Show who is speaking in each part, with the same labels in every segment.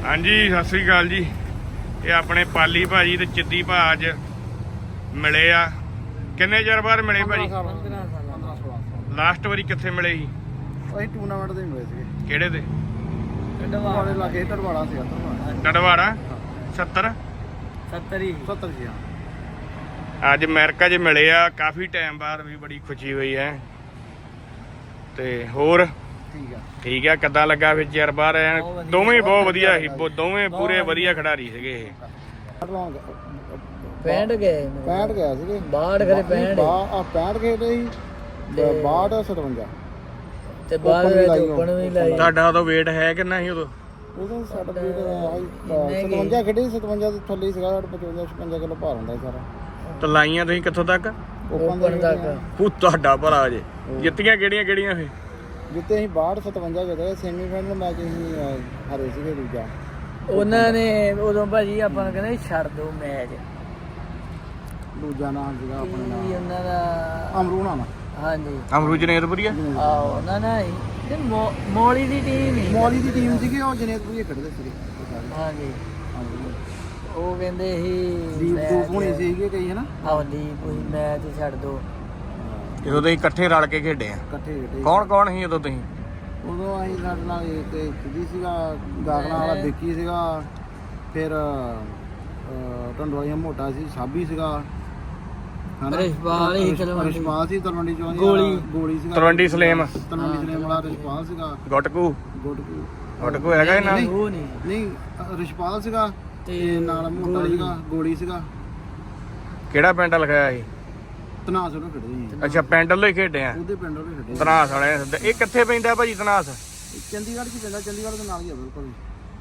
Speaker 1: हाँ जी सत श्री अकाल जी। ये अपने पाली भाजी ते चिद्दी भा अज मिले आ। किन्ने चਿਰ बाਅਦ मिले भाजी?
Speaker 2: 15-16
Speaker 1: लास्ट वारी कित्थे मिले ही?
Speaker 2: ਅਸੀਂ ਟੂਰਨਾਮੈਂਟ ਤੇ ਮਿਲੇ ਸੀਗੇ।
Speaker 1: ਕਿਹੜੇ ਤੇ?
Speaker 2: ਟੜਵਾੜੇ ਲਾਗੇ ਟੜਵਾੜਾ ਸੀ
Speaker 1: ਟੜਵਾੜਾ 70
Speaker 2: 70 ਜੀ ਹਾਂ।
Speaker 1: ਅੱਜ ਅਮਰੀਕਾ 'ਚ ਮਿਲੇ ਆ ਕਾਫੀ ਟਾਈਮ ਬਾਅਦ ਵੀ ਬੜੀ ਖੁਸ਼ੀ ਹੋਈ ਹੈ। ਤੇ ਹੋਰ ਠੀਕ ਆ ਕਿੱਦਾਂ ਲੱਗਾ ਫਿਰ ਚਿਰ ਬਾਅਦ ਦੋਵੇਂ ਬਹੁਤ ਵਧੀਆ ਸੀ ਦੋਵੇਂ ਪੂਰੇ ਵਧੀਆ ਖਿਡਾਰੀ ਸੀਗੇ ਇਹ
Speaker 2: 65 ਗਏ 65 ਗਿਆ ਸੀਗੇ 62 ਖਰੇ 65 65 ਖੇਡੇ ਸੀ 62 57 ਤੇ ਬਾਅਦ ਵਿੱਚ ਓਪਨ ਵੀ ਲਾਈ।
Speaker 1: ਤੁਹਾਡਾ ਉਦੋਂ weight ਹੈ ਕਿੰਨਾ ਸੀ ਉਦੋਂ?
Speaker 2: ਉਦੋਂ ਸਾਡਾ weight 57 ਖੇਡੇ 57 ਦੇ ਥੱਲੇ ਸੀਗਾ। ਸਾਡਾ 55 56 ਕਿਲੋ ਭਾਰ ਹੁੰਦਾ ਸਾਰਾ।
Speaker 1: ਤੇ ਲਾਈਆਂ ਤੁਸੀਂ ਕਿੱਥੋਂ ਤੱਕ?
Speaker 2: ਓਪਨ ਤੱਕ।
Speaker 1: ਉਹ ਤੁਹਾਡਾ ਭਲਾ ਜੇ ਜਿੱਤੀਆਂ ਕਿਹੜੀਆਂ ਫੇ?
Speaker 2: ਜਿੱਤੇ ਅਸੀਂ 62 57 ਜਿੱਤੇ। ਸੈਮੀਫਾਈਨਲ ਮੈਚ ਅਸੀਂ ਹਾਰੇ ਸੀਗੇ ਦੂਜਾ।
Speaker 3: ਉਹਨਾਂ ਨੇ ਉਦੋਂ ਭਾਜੀ ਆਪਾਂ ਨੂੰ ਕਹਿੰਦੇ ਛੱਡ ਦੋ ਮੈਚ।
Speaker 2: ਦੂਜਾ ਨਾਮ ਸੀਗਾ ਆਪਣੇ ਨਾਲ
Speaker 3: ਉਹਨਾਂ ਦਾ
Speaker 2: ਅਮਰੂਣਾ ਨਾਲ।
Speaker 3: ਹਾਂਜੀ
Speaker 1: ਅਮਰੂ ਜਨੇਤਪੁਰੀ ਆ
Speaker 3: ਉਹਨਾਂ ਨਾਲ ਹੀ ਮੋਲੀ ਦੀ ਟੀਮ ਹੀ
Speaker 2: ਮੋਲੀ ਦੀ ਟੀਮ ਸੀਗੀ। ਉਹ ਜਨੇਤਪੁਰੀ ਖੇਡਦੇ ਸੀਗੇ।
Speaker 3: ਹਾਂਜੀ ਉਹ ਕਹਿੰਦੇ ਸੀ
Speaker 2: ਦੀਪ ਹੋਣੀ ਸੀਗੇ ਕਈ ਹਨਾ।
Speaker 3: ਆਹ ਦੀਪ ਹੋਈ ਮੈਚ ਛੱਡ ਦੋ।
Speaker 1: ਜਦੋਂ ਤੁਸੀਂ ਇਕੱਠੇ ਰਲ ਕੇ ਖੇਡੇ ਆ
Speaker 2: ਇਕੱਠੇ ਖੇਡੇ।
Speaker 1: ਕੌਣ ਸੀ ਉਦੋਂ ਤੁਸੀਂ?
Speaker 2: ਉਦੋਂ ਅਸੀਂ ਸਾਡੇ ਨਾਲ ਤੇ ਸਿੱਧੀ ਸੀਗਾ ਗਾਗਲਾਂ ਵਾਲਾ ਵਿੱਕੀ ਸੀਗਾ। ਫਿਰ ਢੰਡੋਲੀਆ ਮੋਟਾ ਸੀ ਸਾਬੀ ਸੀਗਾ
Speaker 3: ਰਿਸ਼ਪਾਲ
Speaker 2: ਸੀ ਤਲਵੰਡੀ ਚੋਂ ਗੋਲੀ ਸੀਗਾ
Speaker 1: ਤਲਵੰਡੀ ਸਲੇਮ
Speaker 2: ਵਾਲਾ ਰਿਸ਼ਪਾਲ ਸੀਗਾ।
Speaker 1: ਗੁੱਟਕੂ ਹੈਗਾ ਇਹਨਾਂ
Speaker 3: ਉਹ
Speaker 2: ਨਹੀਂ ਰਿਸ਼ਪਾਲ ਸੀਗਾ ਤੇ ਨਾਲ ਮੋਟਾ ਸੀਗਾ ਗੋਲੀ ਸੀਗਾ।
Speaker 1: ਕਿਹੜਾ ਪਿੰਡ ਲਿਖਾਇਆ ਸੀ?
Speaker 2: ਤਨਾਸ ਉਹਨੂੰ ਖੇਡਦੇ ਸੀ।
Speaker 1: ਅੱਛਾ ਪਿੰਡ ਵੱਲੋਂ ਹੀ ਖੇਡੇ ਆ।
Speaker 2: ਉਹਦੇ ਪਿੰਡ ਉਹਦੇ ਖੇਡੇ
Speaker 1: ਤਨਾਸ ਵਾਲੇ ਇਹ ਕਿੱਥੇ ਪੈਂਦਾ ਭਾਜੀ ਤਨਾਸ?
Speaker 2: ਚੰਡੀਗੜ੍ਹ 'ਚ ਪੈਂਦਾ। ਚੰਡੀਗੜ੍ਹ ਦੇ ਨਾਲ ਹੀ ਆ ਬਿਲਕੁਲ।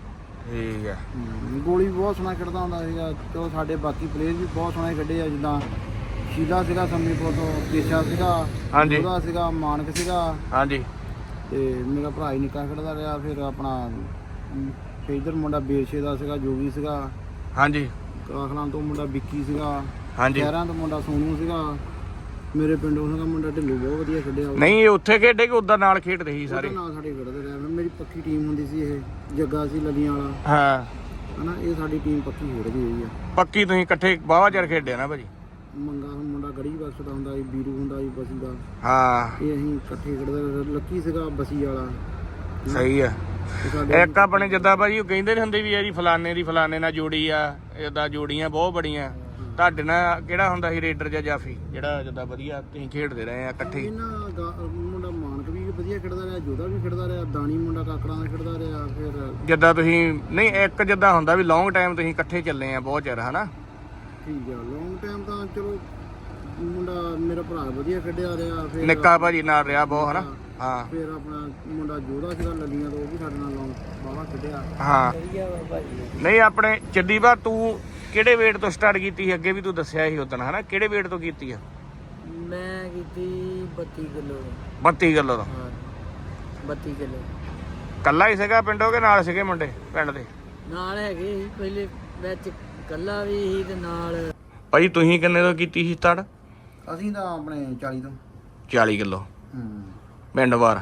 Speaker 1: ਠੀਕ ਆ।
Speaker 2: ਗੋਲੀ ਬਹੁਤ ਸੋਹਣਾ ਖੇਡਦਾ ਹੁੰਦਾ ਸੀਗਾ। ਚਲੋ ਸਾਡੇ ਬਾਕੀ ਪਲੇਅਰ ਵੀ ਬਹੁਤ ਸੋਹਣੇ ਖੇਡੇ ਆ। ਜਿੱਦਾਂ ਸ਼ੀਲਾ ਸੀਗਾ ਸੰਮੀਪੁਰ ਤੋਂ, ਕੇਸ਼ਾ ਸੀਗਾ, ਉਹਦਾ ਸੀਗਾ, ਮਾਨਕ ਸੀਗਾ।
Speaker 1: ਹਾਂਜੀ
Speaker 2: ਤੇ ਮੇਰਾ ਭਰਾ ਹੀ ਨਿੱਕਾ ਖੇਡਦਾ ਰਿਹਾ। ਫਿਰ ਆਪਣਾ ਇਧਰ ਮੁੰਡਾ ਬੇਰਸ਼ੇ ਦਾ ਸੀਗਾ, ਜੋਗੀ ਸੀਗਾ।
Speaker 1: ਹਾਂਜੀ
Speaker 2: ਕਾਖਲਾਂ ਤੋਂ ਮੁੰਡਾ ਵਿੱਕੀ ਸੀਗਾ।
Speaker 1: ਹਾਂਜੀ
Speaker 2: ਸ਼ਹਿਰਾਂ ਤੋਂ ਮੁੰਡਾ ਸੋਨੂ ਸੀਗਾ। ਮੇਰੇ ਪਿੰਡੋਂ ਸੀਗਾ ਮੁੰਡਾ ਢਿੱਲੂ ਬਹੁਤ ਵਧੀਆ ਖੇਡਿਆ।
Speaker 1: ਨਹੀਂ ਇਹ ਉੱਥੇ ਖੇਡੇ ਕਿ ਉਦਾਂ ਨਾਲ ਖੇਡਦੇ ਸੀ ਸਾਰੇ?
Speaker 2: ਨਾਲ ਸਾਡੇ ਖੇਡਦੇ ਰਹੇ। ਮੇਰੀ ਪੱਕੀ ਟੀਮ ਹੁੰਦੀ ਸੀ। ਇਹ ਜੱਗਾ ਸੀ ਲੱਲੀਆਂ ਵਾਲਾ
Speaker 1: ਹਾਂ
Speaker 2: ਹਨਾ। ਇਹ ਸਾਡੀ ਟੀਮ ਪੱਕੀ ਖੇਡਦੀ ਹੋਈ ਆ।
Speaker 1: ਪੱਕੀ ਤੁਸੀਂ ਇਕੱਠੇ ਬਾਵਾ ਚਿਰ ਖੇਡੇ ਨਾ ਭਾਜੀ?
Speaker 2: ਮੰਗਾ ਮੁੰਡਾ ਗੜੀ ਬਖਸ਼ ਦਾ ਹੁੰਦਾ ਸੀ, ਬੀਰੂ ਹੁੰਦਾ ਸੀ ਬਸੀ ਦਾ।
Speaker 1: ਹਾਂ
Speaker 2: ਇਹ ਅਸੀਂ ਇਕੱਠੇ ਖੇਡਦੇ। ਲੱਕੀ ਸੀਗਾ ਬਸੀ ਵਾਲਾ।
Speaker 1: ਸਹੀ ਆ। ਇੱਕ ਆਪਣੇ ਜਿੱਦਾਂ ਭਾਜੀ ਉਹ ਕਹਿੰਦੇ ਨੀ ਹੁੰਦੇ ਵੀ ਯਾਰੀ ਫਲਾਣੇ ਨਾਲ ਜੋੜੀ ਆ। ਏਦਾਂ ਜੋੜੀਆਂ ਬਹੁਤ ਬੜੀਆਂ। ਤੁਹਾਡੇ ਨਾਲ ਕਿਹੜਾ ਹੁੰਦਾ ਸੀ ਰੇਡਰ ਜਾਂ ਜਾਫੀ ਜਿਹੜਾ ਜਿੱਦਾਂ ਵਧੀਆ ਤੁਸੀਂ ਖੇਡਦੇ ਰਹੇ ਆ ਇਕੱਠੇ?
Speaker 2: ਇਹਨਾਂ ਮੁੰਡਾ ਮਾਨਕ ਵੀ ਵਧੀਆ ਖੇਡਦਾ ਰਿਹਾ, ਜੋਧਾ ਵੀ ਖੇਡਦਾ ਰਿਹਾ, ਦਾਣੀ ਮੁੰਡਾ ਕਾਕੜਾਂ ਦਾ ਖੇਡਦਾ ਰਿਹਾ। ਫਿਰ
Speaker 1: ਜਿੱਦਾਂ ਤੁਸੀਂ ਨਹੀਂ ਇੱਕ ਜਿੱਦਾਂ ਹੁੰਦਾ ਵੀ ਲੌਂਗ ਟਾਈਮ ਤੁਸੀਂ ਇਕੱਠੇ ਚੱਲੇ ਆ ਬਹੁਤ ਚਿਰ ਹਨਾ।
Speaker 2: ਠੀਕ ਆ ਲੌਂਗ ਟਾਈਮ ਤਾਂ ਚਲੋ ਮੁੰਡਾ ਮੇਰਾ ਭਰਾ ਵਧੀਆ ਖੇਡਿਆ ਰਿਹਾ। ਫਿਰ
Speaker 1: ਨਿੱਕਾ ਭਾਜੀ ਨਾਲ ਰਿਹਾ ਬਹੁਤ ਹਨਾ। ਹਾਂ
Speaker 2: ਫਿਰ ਆਪਣਾ ਮੁੰਡਾ ਜੋਧਾ ਸੀਗਾ ਲੱਲੀਆਂ ਤੋਂ, ਉਹ ਵੀ ਸਾਡੇ ਨਾਲ ਲੌਂਗ ਬਾਵਾ ਖੇਡਿਆ।
Speaker 1: ਹਾਂ ਨਹੀਂ ਆਪਣੇ ਚੱਦੀਬਾ ਤੂੰ ਕਿਹੜੇ weight ਤੋਂ ਸਟਾਰਟ ਕੀਤੀ ਸੀ? ਅੱਗੇ ਵੀ ਤੂੰ ਦੱਸਿਆ ਸੀ ਉਦੋਂ ਹਨਾ। ਕਿਹੜੇ weight ਤੋਂ ਕੀਤੀ ਆ?
Speaker 3: ਮੈਂ ਕੀਤੀ 32 ਕਿਲੋ
Speaker 1: 32 ਕਿਲੋ ਤੋਂ।
Speaker 3: ਹਾਂ 32 ਕਿਲੋ।
Speaker 1: ਕੱਲਾ ਹੀ ਸੀਗਾ ਪਿੰਡੋਂ ਕਿ ਨਾਲ ਸੀਗੇ ਮੁੰਡੇ ਪਿੰਡ ਦੇ?
Speaker 3: ਨਾਲ ਹੈਗੇ ਸੀ ਪਹਿਲੇ ਵਿੱਚ ਕੱਲਾ ਵੀ ਸੀ ਤੇ ਨਾਲ।
Speaker 1: ਭਾਜੀ ਤੁਸੀਂ ਕਿੰਨੇ ਤੋਂ ਕੀਤੀ ਸੀ ਸਟਾਰਟ?
Speaker 2: ਅਸੀਂ ਤਾਂ ਆਪਣੇ 40 ਤੋਂ
Speaker 1: 40 ਕਿਲੋ ਪਿੰਡ ਵਾਰ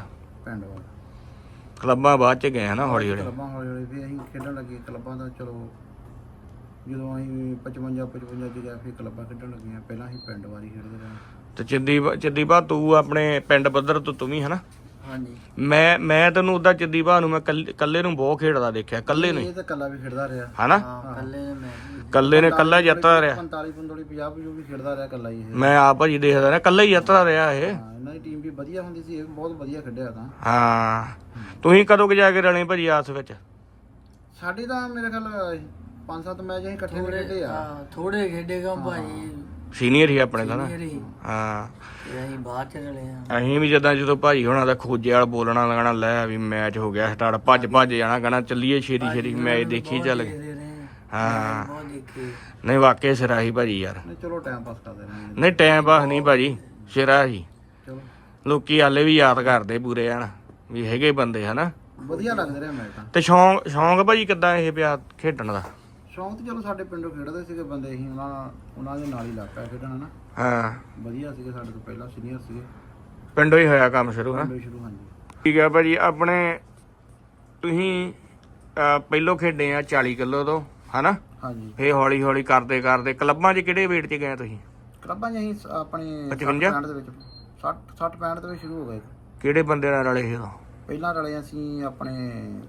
Speaker 1: ਕਲੱਬਾਂ ਬਾਅਦ ਚ ਗਏ ਹਨਾ ਹੌਲੀ ਹੌਲੀ।
Speaker 2: ਕਲੱਬਾਂ ਹੌਲੀ ਹੌਲੀ ਫਿਰ ਅਸੀਂ ਖੇਡਣ ਲੱਗੇ ਕਲੱਬਾਂ ਦਾ। ਚਲੋ ਜਦੋਂ ਅਸੀਂ 55 ਚ ਗਿਆ ਫਿਰ ਕਲੱਬਾਂ ਖੇਡਣ ਲੱਗੀਆਂ। ਪਹਿਲਾਂ ਅਸੀਂ ਪਿੰਡ ਵਾਰੀ ਖੇਡਦੇ ਰਹੇ।
Speaker 1: ਤੇ ਚੱਦੀਬਾ ਤੂੰ ਆਪਣੇ ਪਿੰਡ ਪੱਧਰ ਤੋਂ ਤੂੰ ਵੀ ਹਨਾ?
Speaker 3: ਹਾਂਜੀ
Speaker 1: ਮੈਂ ਤੈਨੂੰ ਉਦਾਂ ਚੱਦੀਬਾ ਨੂੰ ਮੈਂ ਕੱਲੇ ਨੂੰ ਬਹੁਤ ਖੇਡਦਾ ਦੇਖਿਆ। ਕੱਲੇ ਨੂੰ
Speaker 2: ਇਹ ਤਾਂ ਕੱਲਾ ਵੀ ਖੇਡਦਾ ਰਿਹਾ
Speaker 1: ਹਨਾ।
Speaker 3: ਕੱਲੇ ਨੇ ਮੈਂ
Speaker 1: ਕੱਲੇ ਨੇ ਕੱਲਾ ਜਿੱਤਦਾ ਰਿਹਾ।
Speaker 2: 45 50 ਵੀ ਖੇਡਦਾ ਰਿਹਾ ਕੱਲਾ ਹੀ।
Speaker 1: ਮੈਂ ਆਪ ਭਾਜੀ ਦੇਖਦਾ ਰਿਹਾ ਕੱਲਾ ਹੀ ਜਿੱਤਦਾ ਰਿਹਾ ਇਹ।
Speaker 2: ਇਹਨਾਂ ਦੀ ਟੀਮ ਵੀ ਵਧੀਆ ਹੁੰਦੀ ਸੀ। ਇਹ ਬਹੁਤ ਵਧੀਆ ਖੇਡਿਆ ਤਾਂ।
Speaker 1: ਹਾਂ ਤੁਸੀਂ ਕਦੋਂ ਜਾ ਕੇ ਰਲੇ ਭਾਜੀ ਆਸ ਵਿੱਚ?
Speaker 2: ਸਾਡੀ ਤਾਂ ਮੇਰੇ ਖਿਆਲ 5-7 ਮੈਚ ਅਸੀਂ ਇਕੱਠੇ ਖੇਡੇ ਆ।
Speaker 3: ਥੋੜੇ ਖੇਡੇਗਾ ਭਾਈ।
Speaker 1: ਸੀਨੀਅਰ ਹੀ ਆਪਣੇ ਦਾ ਨਾ। ਹਾਂ
Speaker 3: ਅਸੀਂ ਬਾਹਰ ਚ ਰਲੇ ਆ।
Speaker 1: ਅਸੀਂ ਵੀ ਜਦੋਂ ਭਾਜੀ ਹੋਣਾ ਦਾ ਖੋਜੇ ਵਾਲ ਬੋਲਣਾ ਲੱਗਣਾ ਲੈ ਵੀ ਮੈਚ ਹੋ ਗਿਆ ਸਟਾਰਟ ਭੱਜ ਜਾਣਾ ਕਹਿਣਾ ਚੱਲੀਏ ਛੇਤੀ ਮੈਚ ਦੇਖੀ ਚੱਲ ਗਏ। ਹਾਂ ਨਹੀਂ ਵਾਕਈ ਸਿਰਾ ਸੀ ਭਾਜੀ ਯਾਰ।
Speaker 2: ਚਲੋ ਟਾਈਮ ਪਾਸ ਕਰਦੇ ਰਹੇ।
Speaker 1: ਨਹੀਂ ਟਾਈਮ ਪਾਸ ਨਹੀਂ ਭਾਜੀ ਸਿਰਾ ਸੀ।
Speaker 2: ਚਲੋ
Speaker 1: ਲੋਕੀ ਹਾਲੇ ਵੀ ਯਾਦ ਕਰਦੇ ਪੂਰੇ ਹਨ ਵੀ ਹੈਗੇ ਬੰਦੇ ਹਨਾ।
Speaker 2: ਵਧੀਆ ਲੱਗਦੇ ਰਹੇ ਮੈਚ ਤਾਂ।
Speaker 1: ਤੇ ਸ਼ੌਂਕ ਭਾਜੀ ਕਿੱਦਾਂ ਇਹ ਪਿਆ ਖੇਡਣ ਦਾ?
Speaker 2: ਸ਼ੌਂਕ ਤੇ ਚਲੋ ਸਾਡੇ ਪਿੰਡੋਂ ਖੇਡਦੇ ਸੀਗੇ ਬੰਦੇ। ਅਸੀਂ ਉਹਨਾਂ ਦੇ ਨਾਲ ਹੀ ਲੱਗ ਪਿਆ ਖੇਡਣ ਹਨਾ।
Speaker 1: ਹਾਂ
Speaker 2: ਵਧੀਆ ਸੀਗੇ ਸਾਡੇ ਤੋਂ ਪਹਿਲਾਂ ਸੀਨੀਅਰ ਸੀਗੇ।
Speaker 1: ਪਿੰਡੋਂ ਹੀ ਹੋਇਆ ਕੰਮ ਸ਼ੁਰੂ ਹਾਂ?
Speaker 2: ਸ਼ੁਰੂ ਹਾਂਜੀ।
Speaker 1: ਠੀਕ ਹੈ ਭਾਜੀ ਆਪਣੇ ਤੁਸੀਂ ਪਹਿਲੋਂ ਖੇਡੇ ਆ 40 ਕਿਲੋ ਤੋਂ ਹਨਾ,
Speaker 2: ਹਾਂਜੀ।
Speaker 1: ਫੇਰ ਹੌਲੀ ਹੌਲੀ ਕਰਦੇ ਕਰਦੇ ਕਲੱਬਾਂ 'ਚ ਕਿਹੜੇ weight 'ਚ ਗਏ ਤੁਸੀਂ?
Speaker 2: ਕਲੱਬਾਂ 'ਚ ਅਸੀਂ ਆਪਣੇ
Speaker 1: 55
Speaker 2: 65 ਦੇ ਵਿੱਚ 60 65 ਦੇ ਵਿੱਚ ਸ਼ੁਰੂ ਹੋ ਗਏ।
Speaker 1: ਕਿਹੜੇ ਬੰਦੇ ਨਾਲ ਰਲੇ ਸੀ ਉਦੋਂ?
Speaker 2: ਪਹਿਲਾਂ ਰਲੇ ਅਸੀਂ ਆਪਣੇ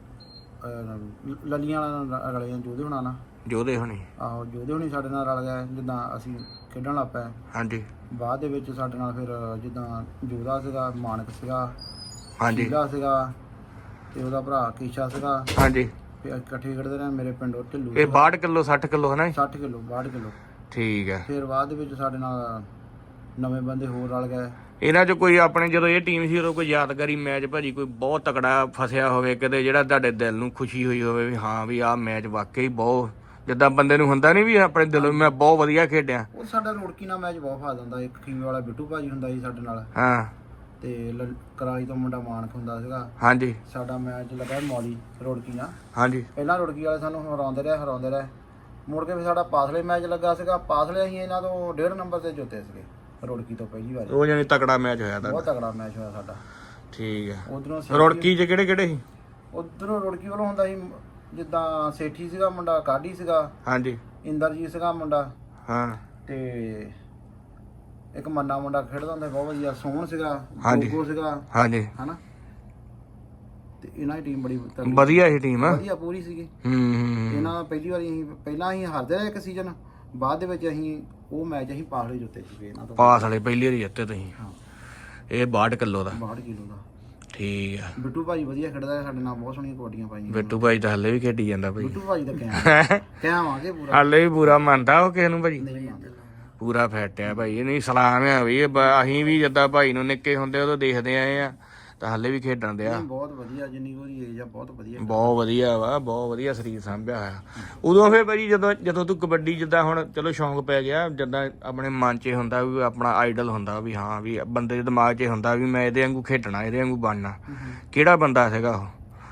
Speaker 2: ਲੱਲੀਆਂ ਨਾਲ ਰਲੇ ਆ, ਜੋਧੇ ਹੋਣਾ ਨਾਲ।
Speaker 1: ਜੋਧੇ ਹੋਣੀ?
Speaker 2: ਆਹੋ, ਜੋਧੇ ਹੋਣੀ ਸਾਡੇ ਨਾਲ ਰਲ ਗਏ ਜਿੱਦਾਂ ਅਸੀਂ ਖੇਡਣ ਲੱਗ ਪਏ।
Speaker 1: ਹਾਂਜੀ।
Speaker 2: ਬਾਅਦ ਦੇ ਵਿੱਚ ਸਾਡੇ ਨਾਲ ਫਿਰ ਜਿੱਦਾਂ ਜੋਧਾ ਸੀਗਾ, ਮਾਨਕ ਸੀਗਾ,
Speaker 1: ਹਾਂਜੀ
Speaker 2: ਸ਼ੀਲਾ ਸੀਗਾ ਤੇ ਉਹਦਾ ਭਰਾ ਕੀਸ਼ਾ ਸੀਗਾ।
Speaker 1: ਹਾਂਜੀ।
Speaker 2: ਫਿਰ ਇਕੱਠੇ ਖੇਡਦੇ ਰਹੇ ਮੇਰੇ ਪਿੰਡੋਂ ਢਿੱਲੂ।
Speaker 1: ਇਹ 62 ਕਿਲੋ 60 ਕਿਲੋ ਹਨਾ?
Speaker 2: 60 ਕਿਲੋ 62 ਕਿਲੋ।
Speaker 1: ਠੀਕ ਹੈ।
Speaker 2: ਫਿਰ ਬਾਅਦ ਦੇ ਵਿੱਚ ਸਾਡੇ ਨਾਲ ਨਵੇਂ ਬੰਦੇ ਹੋਰ ਰਲ ਗਏ।
Speaker 1: ਇਹਨਾਂ 'ਚ ਕੋਈ ਆਪਣੇ ਜਦੋਂ ਇਹ ਟੀਮ ਸੀ ਉਦੋਂ ਕੋਈ ਯਾਦਗਾਰੀ ਮੈਚ ਭਾਜੀ ਕੋਈ ਬਹੁਤ ਤਕੜਾ ਫਸਿਆ ਹੋਵੇ ਕਿਤੇ, ਜਿਹੜਾ ਤੁਹਾਡੇ ਦਿਲ ਨੂੰ ਖੁਸ਼ੀ ਹੋਈ ਹੋਵੇ ਵੀ ਹਾਂ ਵੀ ਆਹ ਮੈਚ ਵਾਕਈ ਬਹੁਤ, ਜਿੱਦਾਂ ਬੰਦੇ ਨੂੰ ਹੁੰਦਾ ਨਹੀਂ ਵੀ ਆਪਣੇ ਦਿਲੋਂ ਮੈਂ ਬਹੁਤ ਵਧੀਆ ਖੇਡਿਆ?
Speaker 2: ਉਹ ਸਾਡਾ ਰੋੜਕੀ ਨਾਲ ਮੈਚ ਬਹੁਤ ਫਾਇਦਾ ਹੁੰਦਾ। ਇੱਕ ਖੀਮੇ ਵਾਲਾ ਬਿੱਟੂ ਭਾਜੀ ਹੁੰਦਾ ਸੀ ਸਾਡੇ ਨਾਲ,
Speaker 1: ਹਾਂ,
Speaker 2: ਤੇ ਕਰਾਲੀ ਤੋਂ ਮੁੰਡਾ ਮਾਨਕ ਹੁੰਦਾ ਸੀਗਾ।
Speaker 1: ਹਾਂਜੀ।
Speaker 2: ਸਾਡਾ ਮੈਚ ਲੱਗਾ ਮੌਲੀ ਰੋੜਕੀ ਨਾਲ।
Speaker 1: ਹਾਂਜੀ।
Speaker 2: ਪਹਿਲਾਂ ਰੋੜਕੀ ਵਾਲੇ ਸਾਨੂੰ ਹਰਾਉਂਦੇ ਰਹੇ। ਮੁੜ ਕੇ ਫਿਰ ਸਾਡਾ ਪਾਸਲੇ ਮੈਚ ਲੱਗਾ ਸੀਗਾ। ਪਾਸਲੇ ਅਸੀਂ ਇਹਨਾਂ ਤੋਂ 1.5 ਨੰਬਰ ਤੇ ਜਿੱਤੇ ਸੀਗੇ ਰੋੜਕੀ ਤੋਂ ਪਹਿਲੀ ਵਾਰ।
Speaker 1: ਉਹ ਜਾਨੀ ਤਕੜਾ ਮੈਚ ਹੋਇਆ ਤਾਂ?
Speaker 2: ਬਹੁਤ ਤਕੜਾ ਮੈਚ ਹੋਇਆ ਸਾਡਾ।
Speaker 1: ਠੀਕ ਹੈ।
Speaker 2: ਉਧਰੋਂ
Speaker 1: ਰੁੜਕੀ 'ਚ ਕਿਹੜੇ ਕਿਹੜੇ ਸੀ?
Speaker 2: ਉਧਰੋਂ ਰੁੜਕੀ ਵੱਲੋਂ ਹੁੰਦਾ ਸੀ ਜਿੱਦਾਂ ਸੇਠੀ ਸੀਗਾ ਮੁੰਡਾ, ਕਾਢੀ ਸੀਗਾ,
Speaker 1: ਹਾਂਜੀ,
Speaker 2: ਇੰਦਰਜੀਤ ਸੀਗਾ ਮੁੰਡਾ,
Speaker 1: ਹਾਂ,
Speaker 2: ਤੇ ਇੱਕ ਮੰਨਾ ਮੁੰਡਾ ਖੇਡਦਾ ਹੁੰਦਾ ਬਹੁਤ ਵਧੀਆ, ਸੋਹਣ ਸੀਗਾ,
Speaker 1: ਹਾਂਜੀ,
Speaker 2: ਗੋਗੋ ਸੀਗਾ,
Speaker 1: ਹਾਂਜੀ,
Speaker 2: ਹਨਾ। ਤੇ ਇਹਨਾਂ ਦੀ ਟੀਮ ਬੜੀ
Speaker 1: ਵਧੀਆ ਸੀ ਟੀਮ,
Speaker 2: ਵਧੀਆ ਪੂਰੀ ਸੀਗੀ। ਇਹਨਾਂ ਦਾ ਪਹਿਲੀ ਵਾਰੀ ਪਹਿਲਾਂ ਅਸੀਂ ਹਾਰਦੇ ਰਹੇ ਇੱਕ ਸੀਜ਼ਨ, ਬਾਅਦ ਦੇ ਵਿੱਚ ਅਸੀਂ ਉਹ ਮੈਚ ਅਸੀਂ ਪਾਸਲੇ ਜਿੱਤੇ ਸੀਗੇ ਇਹਨਾਂ ਤੋਂ।
Speaker 1: ਪਾਸਲੇ ਪਹਿਲੀ ਵਾਰੀ ਜਿੱਤੇ ਤੁਸੀਂ?
Speaker 2: ਹਾਂ।
Speaker 1: ਇਹ 62 ਕਿਲੋ ਦਾ?
Speaker 2: 62 ਕਿਲੋ ਦਾ।
Speaker 1: ਠੀਕ ਆ।
Speaker 2: ਬਿੱਟੂ ਭਾਜੀ ਵਧੀਆ ਖੇਡਦਾ ਹੈ ਸਾਡੇ ਨਾਲ, ਬਹੁਤ ਸੋਹਣੀਆਂ ਕਬੱਡੀਆਂ ਪਾਈਆਂ।
Speaker 1: ਬਿੱਟੂ ਭਾਈ ਤਾਂ ਹੱਲੇ ਵੀ ਖੇਡੀ ਜਾਂਦਾ ਭਾਈ।
Speaker 2: ਬਿੱਟੂ ਭਾਜੀ ਦਾ ਕਹਿਆਵਾਂਗੇ ਪੂਰਾ,
Speaker 1: ਹੱਲੇ ਵੀ ਪੂਰਾ ਮੰਨਦਾ ਉਹ ਕਿਸੇ ਨੂੰ ਭਾਜੀ?
Speaker 2: ਨਹੀਂ ਮੰਨਦਾ।
Speaker 1: ਪੂਰਾ ਫਿੱਟ ਆ ਭਾਈ। ਇਹ ਨਹੀਂ ਸਲਾਮ ਆ ਵੀ ਅਸੀਂ ਵੀ ਜਿੱਦਾਂ ਭਾਈ ਨੂੰ ਨਿੱਕੇ ਹੁੰਦੇ ਉਦੋਂ ਦੇਖਦੇ ਆਏ ਆ, ਤਾਂ ਹੱਲੇ ਵੀ ਖੇਡਣ ਦਿਆ।
Speaker 2: ਬਹੁਤ ਵਧੀਆ, ਜਿੰਨੀ ਉਹਦੀ ਏਜ ਆ ਬਹੁਤ ਵਧੀਆ।
Speaker 1: ਬਹੁਤ ਵਧੀਆ ਵਾ, ਬਹੁਤ ਵਧੀਆ ਸਰੀਰ ਸਾਂਭਿਆ ਹੋਇਆ। ਉਦੋਂ ਫਿਰ ਭਾਜੀ ਜਦੋਂ ਤੂੰ ਕਬੱਡੀ, ਜਿੱਦਾਂ ਹੁਣ ਚਲੋ ਸ਼ੌਂਕ ਪੈ ਗਿਆ, ਜਿੱਦਾਂ ਆਪਣੇ ਮਨ 'ਚ ਹੁੰਦਾ ਵੀ ਆਪਣਾ ਆਈਡਲ ਹੁੰਦਾ ਵੀ ਹਾਂ ਵੀ ਬੰਦੇ ਦੇ ਦਿਮਾਗ 'ਚ ਹੁੰਦਾ ਵੀ ਮੈਂ ਇਹਦੇ ਵਾਂਗੂ ਖੇਡਣਾ, ਇਹਦੇ ਵਾਂਗੂ ਬਣਨਾ, ਕਿਹੜਾ ਬੰਦਾ ਸੀਗਾ ਉਹ?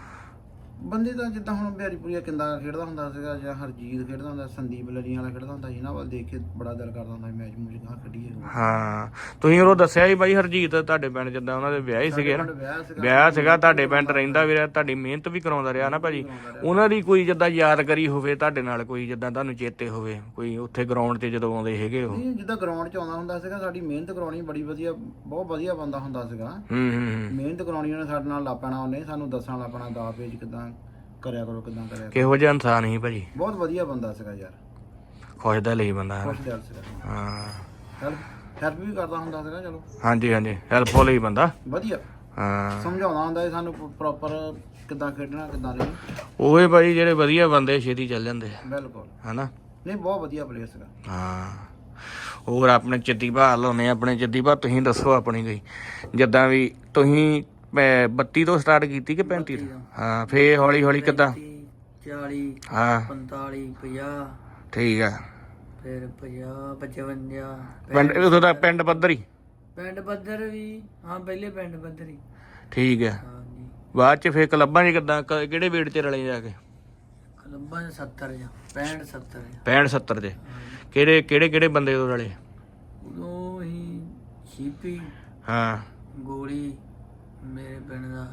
Speaker 2: ਬੰਦੇ ਦਾ ਜਿੱਦਾਂ ਹੁਣ ਬਿਹਾਰੀਪੁਰੀਆ ਕਿੰਦਾ ਖੇਡਦਾ ਹੁੰਦਾ ਸੀਗਾ, ਜਾਂ ਹਰਜੀਤ ਖੇਡਦਾ ਹੁੰਦਾ, ਸੰਦੀਪ ਲੱਲੀਆਂ ਵਾਲਾ ਖੇਡਦਾ ਹੁੰਦਾ ਸੀ। ਇਹਨਾਂ ਵੱਲ ਦੇਖ ਕੇ ਬੜਾ ਦਿਲ ਕਰਦਾ ਹੁੰਦਾ ਸੀ ਮੈਚ ਮੂਚ ਗਾਂ ਕੱਢੀਏ।
Speaker 1: ਹਾਂ, ਤੁਸੀਂ ਉਹ ਦੱਸਿਆ ਸੀ ਬਾਈ ਹਰਜੀਤ ਤੁਹਾਡੇ ਪਿੰਡ ਜਿੱਦਾਂ ਉਹਨਾਂ ਦੇ ਵਿਆਹ ਹੀ ਸੀਗੇ ਨਾ? ਵਿਆਹ ਸੀਗਾ ਤੁਹਾਡੇ ਪਿੰਡ, ਰਹਿੰਦਾ ਵੀ ਰਿਹਾ, ਤੁਹਾਡੀ ਮਿਹਨਤ ਵੀ ਕਰਾਉਂਦਾ ਰਿਹਾ ਨਾ ਭਾਜੀ। ਉਹਨਾਂ ਦੀ ਕੋਈ ਜਿੱਦਾਂ ਯਾਦਗਾਰੀ ਹੋਵੇ ਤੁਹਾਡੇ ਨਾਲ, ਕੋਈ ਜਿੱਦਾਂ ਤੁਹਾਨੂੰ ਚੇਤੇ ਹੋਵੇ, ਕੋਈ ਉੱਥੇ ਗਰਾਊਂਡ 'ਤੇ ਜਦੋਂ ਆਉਂਦੇ ਹੈਗੇ ਉਹ?
Speaker 2: ਜਿੱਦਾਂ ਗਰਾਊਂਡ 'ਚ ਆਉਂਦਾ ਹੁੰਦਾ ਸੀਗਾ, ਸਾਡੀ ਮਿਹਨਤ ਕਰਾਉਣੀ ਬੜੀ ਵਧੀਆ, ਬਹੁਤ ਵਧੀਆ ਬੰਦਾ ਹੁੰਦਾ ਸੀਗਾ। ਮਿਹਨਤ ਕਰਾਉਣੀ ਉਹਨੇ ਸਾਡੇ ਨਾਲ ਲਾ ਪੈਣਾ, ਉਹਨੇ ਸਾਨੂੰ ਦੱਸਣਾ ਲਾ ਪੈਣਾ ਦਾ ਪੇਜ ਕਿੱਦਾਂ ਕਰਿਆ ਕਰੋ, ਕਿੱਦਾਂ ਕਰਿਆ।
Speaker 1: ਕਿਹੋ ਜਿਹਾ ਇਨਸਾਨ ਸੀ ਭਾਜੀ?
Speaker 2: ਬਹੁਤ ਵਧੀਆ ਬੰਦਾ ਸੀਗਾ ਯਾਰ,
Speaker 1: ਖੁਸ਼ ਦਿਲ ਹੀ ਬੰਦਾ ਹੈ।
Speaker 2: ਖੁਸ਼ ਦਿਲ ਸੀਗਾ।
Speaker 1: ਹਾਂ,
Speaker 2: ਹੈਲਪ ਵੀ ਕਰਦਾ ਹੁੰਦਾ ਸੀਗਾ। ਚਲੋ
Speaker 1: ਹਾਂਜੀ ਹਾਂਜੀ, ਹੈਲਪਫੁਲ ਹੀ ਬੰਦਾ
Speaker 2: ਵਧੀਆ।
Speaker 1: ਹਾਂ,
Speaker 2: ਸਮਝਾਉਂਦਾ ਹੁੰਦਾ ਸੀ ਸਾਨੂੰ ਪ੍ਰੋਪਰ ਕਿੱਦਾਂ ਖੇਡਣਾ, ਕਿੱਦਾਂ ਨਹੀਂ।
Speaker 1: ਉਹੇ ਭਾਈ ਜਿਹੜੇ ਵਧੀਆ ਬੰਦੇ ਛੇਤੀ ਚੱਲ ਜਾਂਦੇ ਆ,
Speaker 2: ਬਿਲਕੁਲ।
Speaker 1: ਹਨਾ?
Speaker 2: ਨਹੀਂ, ਬਹੁਤ ਵਧੀਆ ਪਲੇਅਰ ਸੀਗਾ।
Speaker 1: ਹਾਂ। ਹੋਰ ਆਪਣੇ ਚਿੱਤੀ ਭਾਅ ਲਾਉਣੇ, ਆਪਣੇ ਚਿੱਤੀ ਭਾਅ ਤੁਸੀਂ ਦੱਸੋ ਆਪਣੀ ਕੋਈ, ਜਿੱਦਾਂ ਵੀ ਤੁਸੀਂ 32 ਤੋਂ ਸਟਾਰਟ ਕੀਤੀ ਕਿ 35 ਤੋਂ? ਹਾਂ, ਫੇਰ ਹੌਲੀ ਹੌਲੀ ਕਿੱਦਾਂ?
Speaker 3: 40,
Speaker 1: ਹਾਂ,
Speaker 3: 45, 50।
Speaker 1: ਠੀਕ ਆ।
Speaker 3: ਫਿਰ 50, 55।
Speaker 1: ਪਿੰਡ ਉਦੋਂ ਦਾ ਪਿੰਡ ਪੱਧਰ ਹੀ?
Speaker 3: ਪਿੰਡ ਪੱਧਰ ਵੀ, ਹਾਂ ਪਹਿਲੇ ਪਿੰਡ ਪੱਧਰ ਹੀ।
Speaker 1: ਠੀਕ ਆ।
Speaker 3: ਹਾਂਜੀ।
Speaker 1: ਬਾਅਦ ਚ ਫੇਰ ਕਲੱਬਾਂ 'ਚ ਕਿੱਦਾਂ, ਕਿਹੜੇ weight 'ਚ ਰਲੇ ਜਾ ਕੇ?
Speaker 3: ਕਲੱਬਾਂ 'ਚ 70 ਜਾਂ 65, 70 ਜਾਂ
Speaker 1: 65 70 'ਚ? ਕਿਹੜੇ ਬੰਦੇ ਉਦੋਂ ਰਲੇ?
Speaker 3: ਉਦੋਂ ਹੀ ਸ਼ੀਪੀ,
Speaker 1: ਹਾਂ,
Speaker 3: ਗੋਲੀ, ਮੇਰੇ ਪਿੰਡ ਦਾ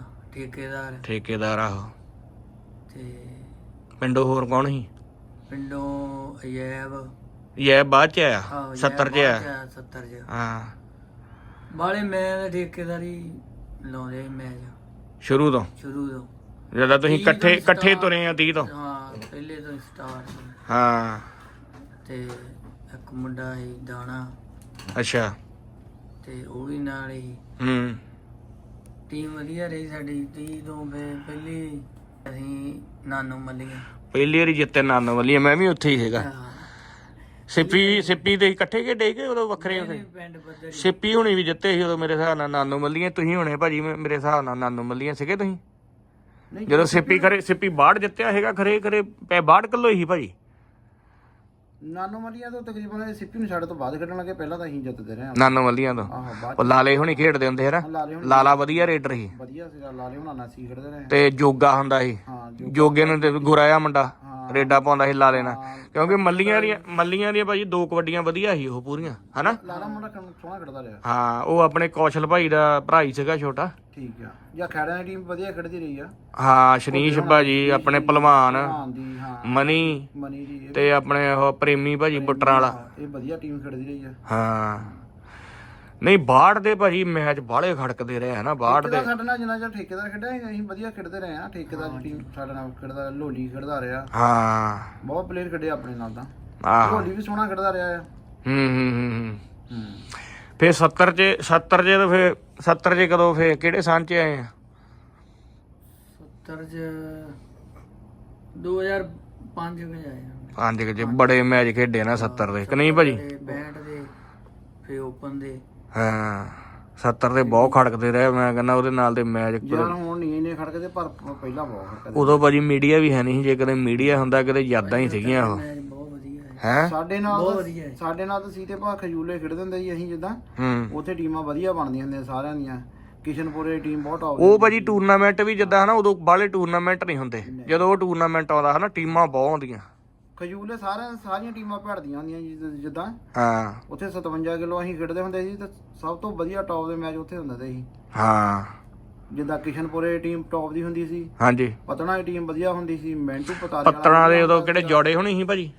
Speaker 1: ਠੇਕੇਦਾਰ ਆਹੋ।
Speaker 3: ਤੇ
Speaker 1: ਪਿੰਡੋਂ ਹੋਰ ਕੌਣ ਸੀ?
Speaker 3: ਪਿੰਡੋਂ ਅਜੈਬ।
Speaker 1: ਇਹ ਬਾਅਦ ਚ ਆਇਆ?
Speaker 3: ਆਹੋ,
Speaker 1: 70 ਚ ਆਇਆ?
Speaker 3: 70 ਚ।
Speaker 1: ਹਾਂ,
Speaker 3: ਬਾਲੇ ਮੈਂ ਠੇਕੇਦਾਰੀ ਲਾਉਂਦੇ ਮੈਚ
Speaker 1: ਸ਼ੁਰੂ ਤੋਂ
Speaker 3: ਸ਼ੁਰੂ ਤੋਂ,
Speaker 1: ਜਦੋਂ ਤੁਸੀਂ ਇਕੱਠੇ ਤੁਰੇ ਆ 30 ਤੋਂ?
Speaker 3: ਹਾਂ, ਪਹਿਲੇ ਤੋਂ ਸਟਾਰਟ।
Speaker 1: ਹਾਂ।
Speaker 3: ਤੇ ਇੱਕ ਮੁੰਡਾ ਸੀ ਦਾਣਾ,
Speaker 1: ਅੱਛਾ।
Speaker 3: ਤੇ ਉਹ ਵੀ ਨਾਲ ਹੀ। ਟੀਮ ਵਧੀਆ ਰਹੀ ਸਾਡੀ 30 ਤੋਂ। ਪਹਿਲੀ ਅਸੀਂ ਨਾਨੋ ਮੱਲੀਆਂ
Speaker 1: ਪਹਿਲੀ ਵਾਰੀ ਜਿੱਤੇ ਨਾਨੋ ਵੱਲੀਆਂ, ਮੈਂ ਵੀ ਉੱਥੇ ਹੀ ਸੀਗਾ। ਸਿੱਪੀ ਤੇ ਇਕੱਠੇ ਖੇਡੇ ਕਿ ਉਦੋਂ ਵੱਖਰੇ ਵੱਖਰੇ?
Speaker 3: ਪਿੰਡ ਪੱਧਰ।
Speaker 1: ਸਿੱਪੀ ਹੁਣੀ ਵੀ ਜਿੱਤੇ ਸੀ ਉਦੋਂ ਮੇਰੇ ਹਿਸਾਬ ਨਾਲ ਨਾਨੋ ਮੱਲੀਆਂ, ਤੁਸੀਂ ਹੋਣੇ ਭਾਜੀ ਮੇਰੇ ਹਿਸਾਬ ਨਾਲ ਨਾਨੋ ਮੱਲੀਆਂ ਸੀਗੇ ਤੁਸੀਂ ਜਦੋਂ ਸਿੱਪੀ 62 ਜਿੱਤਿਆ ਹੈਗਾ? ਖਰੇ 62 ਕਿਲੋ ਹੀ ਭਾਜੀ
Speaker 2: ਨਾਨੋ ਮੱਲੀਆਂ ਤੋਂ ਤਕਰੀਬਨ ਸਿੱਪੀ ਨੂੰ ਸਾਡੇ ਤੋਂ ਬਾਅਦ ਖੇਡਣ ਲੱਗੇ, ਪਹਿਲਾਂ ਤਾਂ ਅਸੀਂ ਜਿੱਤਦੇ ਰਹੇ।
Speaker 1: ਨਾਨੋ ਮੱਲੀਆਂ ਤੋਂ ਉਹ ਲਾਲੇ ਹੁਣੀ ਖੇਡਦੇ ਹੁੰਦੇ ਹੈ ਨਾ? ਲਾਲਾ ਵਧੀਆ ਰੇਡਰ ਸੀ।
Speaker 2: ਵਧੀਆ ਸੀਗਾ, ਲਾਲੇ ਹੁਣਾਂ ਨਾਲ ਸੀ ਖੇਡਦੇ ਰਹੇ।
Speaker 1: ਤੇ ਜੋਗਾ ਹੁੰਦਾ ਸੀ,
Speaker 2: ਹਾਂ,
Speaker 1: ਜੋਗੇ ਨੂੰ ਗੋਰਾ ਜਿਹਾ ਮੁੰਡਾ।
Speaker 2: ਹਾਂ,
Speaker 1: ਰੇਡਾ ਪਾਉਂਦਾ ਸੀ ਲਾਲੇ ਨਾਲ, ਕਿਉਂਕਿ ਮੱਲੀਆਂ ਦੀਆਂ ਭਾਜੀ 2 ਕਬੱਡੀਆਂ ਵਧੀਆ ਸੀ ਉਹ ਪੂਰੀਆਂ, ਹਨਾ।
Speaker 2: ਲਾਲਾ ਮੁੰਡਾ ਸੋਹਣਾ ਖੇਡਦਾ ਰਿਹਾ।
Speaker 1: ਹਾਂ, ਉਹ ਆਪਣੇ ਕੌਸ਼ਲ ਭਾਈ ਦਾ ਭਰਾ ਹੀ ਸੀਗਾ ਛੋਟਾ।
Speaker 2: ਠੀਕ ਆ, ਜਾਂ ਖੈੜਿਆਂ ਦੀ ਟੀਮ ਵਧੀਆ ਖੇਡਦੀ ਰਹੀ ਆ।
Speaker 1: ਹਾਂ, ਸ਼ਨੀਸ਼ ਭਾਜੀ ਆਪਣੇ ਪਹਿਲਵਾਨ,
Speaker 2: ਦੀ ਹਾਂ
Speaker 1: ਮਨੀ
Speaker 2: ਦੀ
Speaker 1: ਤੇ ਆਪਣੇ ਉਹ ਪ੍ਰੇਮੀ ਭਾਜੀ ਬੁੱਟਰਾਂ ਵਾਲਾ,
Speaker 2: ਇਹ ਵਧੀਆ ਟੀਮ ਖੇਡਦੀ ਰਹੀ ਆ।
Speaker 1: ਹਾਂ। ਨਹੀਂ, ਬਾੜ ਦੇ ਭਾਜੀ ਮੈਚ ਬਾਹਲੇ ਖੜਕਦੇ ਰਹੇ ਹਨਾ। ਬਾੜ ਦੇ
Speaker 2: ਸਾਡੇ ਨਾਲ ਜਿੰਨਾ ਚਿਰ ਠੇਕੇਦਾਰ ਖੇਡਿਆ ਅਸੀਂ ਵਧੀਆ ਖੇਡਦੇ ਰਹੇ ਆ। ਠੇਕੇਦਾਰ ਦੀ ਟੀਮ ਸਾਡੇ ਨਾਲ ਖੇਡਦਾ, ਲੋਲੀ ਖੇਡਦਾ ਰਿਹਾ।
Speaker 1: ਹਾਂ,
Speaker 2: ਬਹੁਤ ਪਲੇਅਰ ਖੇਡੇ ਆਪਣੇ ਨਾਲ ਤਾਂ।
Speaker 1: ਆਹ
Speaker 2: ਲੋਲੀ ਵੀ ਸੋਹਣਾ ਖੇਡਦਾ ਰਿਹਾ ਆ।
Speaker 1: ਹੂੰ। ਫੇਰ 70 ਚ ਤਾਂ ਫੇਰ 70 ਚ ਕਦੋਂ ਫੇਰ ਕਿਹੜੇ ਸਾਲ ਚ ਆਏ ਆ?
Speaker 3: 70 ਚ 2005 ਵਿੱਚ ਆਏ ਆ।
Speaker 1: 5 ਚ ਬੜੇ ਮੈਚ ਖੇਡੇ ਨਾ 70 ਦੇ, ਕਿ ਨਹੀਂ ਭਾਜੀ?
Speaker 3: ਬੈਟ ਦੇ ਫੇ ਓਪਨ ਦੇ।
Speaker 1: ਹਾਂ, 70 ਦੇ ਬਹੁਤ ਖੜਕਦੇ ਰਹੇ। ਮੈਂ ਕਹਿੰਦਾ ਉਹਦੇ ਨਾਲ ਦੇ ਮੈਚ
Speaker 2: ਯਾਰ ਹੁਣ ਨਹੀਂ ਇੰਨੇ ਖੜਕਦੇ, ਪਰ ਪਹਿਲਾਂ ਬਹੁਤ ਖੜਕਦੇ।
Speaker 1: ਉਦੋਂ ਭਾਜੀ ਮੀਡੀਆ ਵੀ ਹੈ ਨਹੀਂ ਸੀ। ਜੇ ਕਦੇ ਮੀਡੀਆ ਹੁੰਦਾ ਕਿਤੇ ਯਾਦਾਂ ਹੀ ਸੀਗੀਆਂ ਉਹ।
Speaker 3: ਮੈਚ ਬਹੁਤ ਵਧੀਆ
Speaker 1: ਹੈ
Speaker 2: ਸਾਡੇ ਨਾਲ ਤਾਂ ਸੀ ਤੇ ਭਾ ਖਜੂਲੇ ਖੇਡਦੇ ਹੁੰਦੇ ਸੀ ਅਸੀਂ ਜਿੱਦਾਂ। ਉੱਥੇ ਟੀਮਾਂ ਵਧੀਆ ਬਣਦੀਆਂ ਹੁੰਦੀਆਂ ਸਾਰਿਆਂ ਦੀਆਂ। ਕਿਸ਼ਨਪੁਰੇ ਦੀ ਟੀਮ ਬਹੁਤ ਟੌਪ
Speaker 1: ਉਹ ਭਾਜੀ ਟੂਰਨਾਮੈਂਟ ਵੀ ਜਿੱਦਾਂ ਹਨਾ, ਉਦੋਂ ਬਾਹਲੇ ਟੂਰਨਾਮੈਂਟ ਨਹੀਂ ਹੁੰਦੇ। ਜਦੋਂ ਉਹ ਟੂਰਨਾਮੈਂਟ ਆਉਂਦਾ ਹਨਾ, ਟੀਮਾਂ ਬਹੁਤ ਆਉਂਦੀਆਂ।
Speaker 2: ਖਜੂਲੇ ਸਾਰੀਆਂ ਟੀਮਾਂ ਭੜਦੀਆਂ ਹੁੰਦੀਆਂ ਜਿੱਦਾਂ।
Speaker 1: ਹਾਂ,
Speaker 2: ਉੱਥੇ 57 ਕਿਲੋ ਅਸੀਂ ਖੇਡਦੇ ਹੁੰਦੇ ਸੀ ਤੇ ਸਭ ਤੋਂ ਵਧੀਆ ਟੌਪ ਦੇ ਮੈਚ ਉੱਥੇ ਹੁੰਦੇ ਸੀ।
Speaker 1: ਹਾਂ,
Speaker 2: ਜਿੱਦਾਂ ਕਿਸ਼ਨਪੁਰੇ ਟੀਮ ਟੌਪ ਦੀ ਹੁੰਦੀ ਸੀ।
Speaker 1: ਹਾਂਜੀ।
Speaker 2: ਪਤਨਾ ਦੀ ਟੀਮ ਵਧੀਆ ਹੁੰਦੀ ਸੀ। ਮੈਂਟੂ ਪਤਾਰੇ
Speaker 1: ਪੱਤਣਾ ਦੇ ਉਦੋਂ ਕਿਹੜੇ ਜੋੜੇ ਹੋਣੀ ਸੀ ਭਾਜੀ?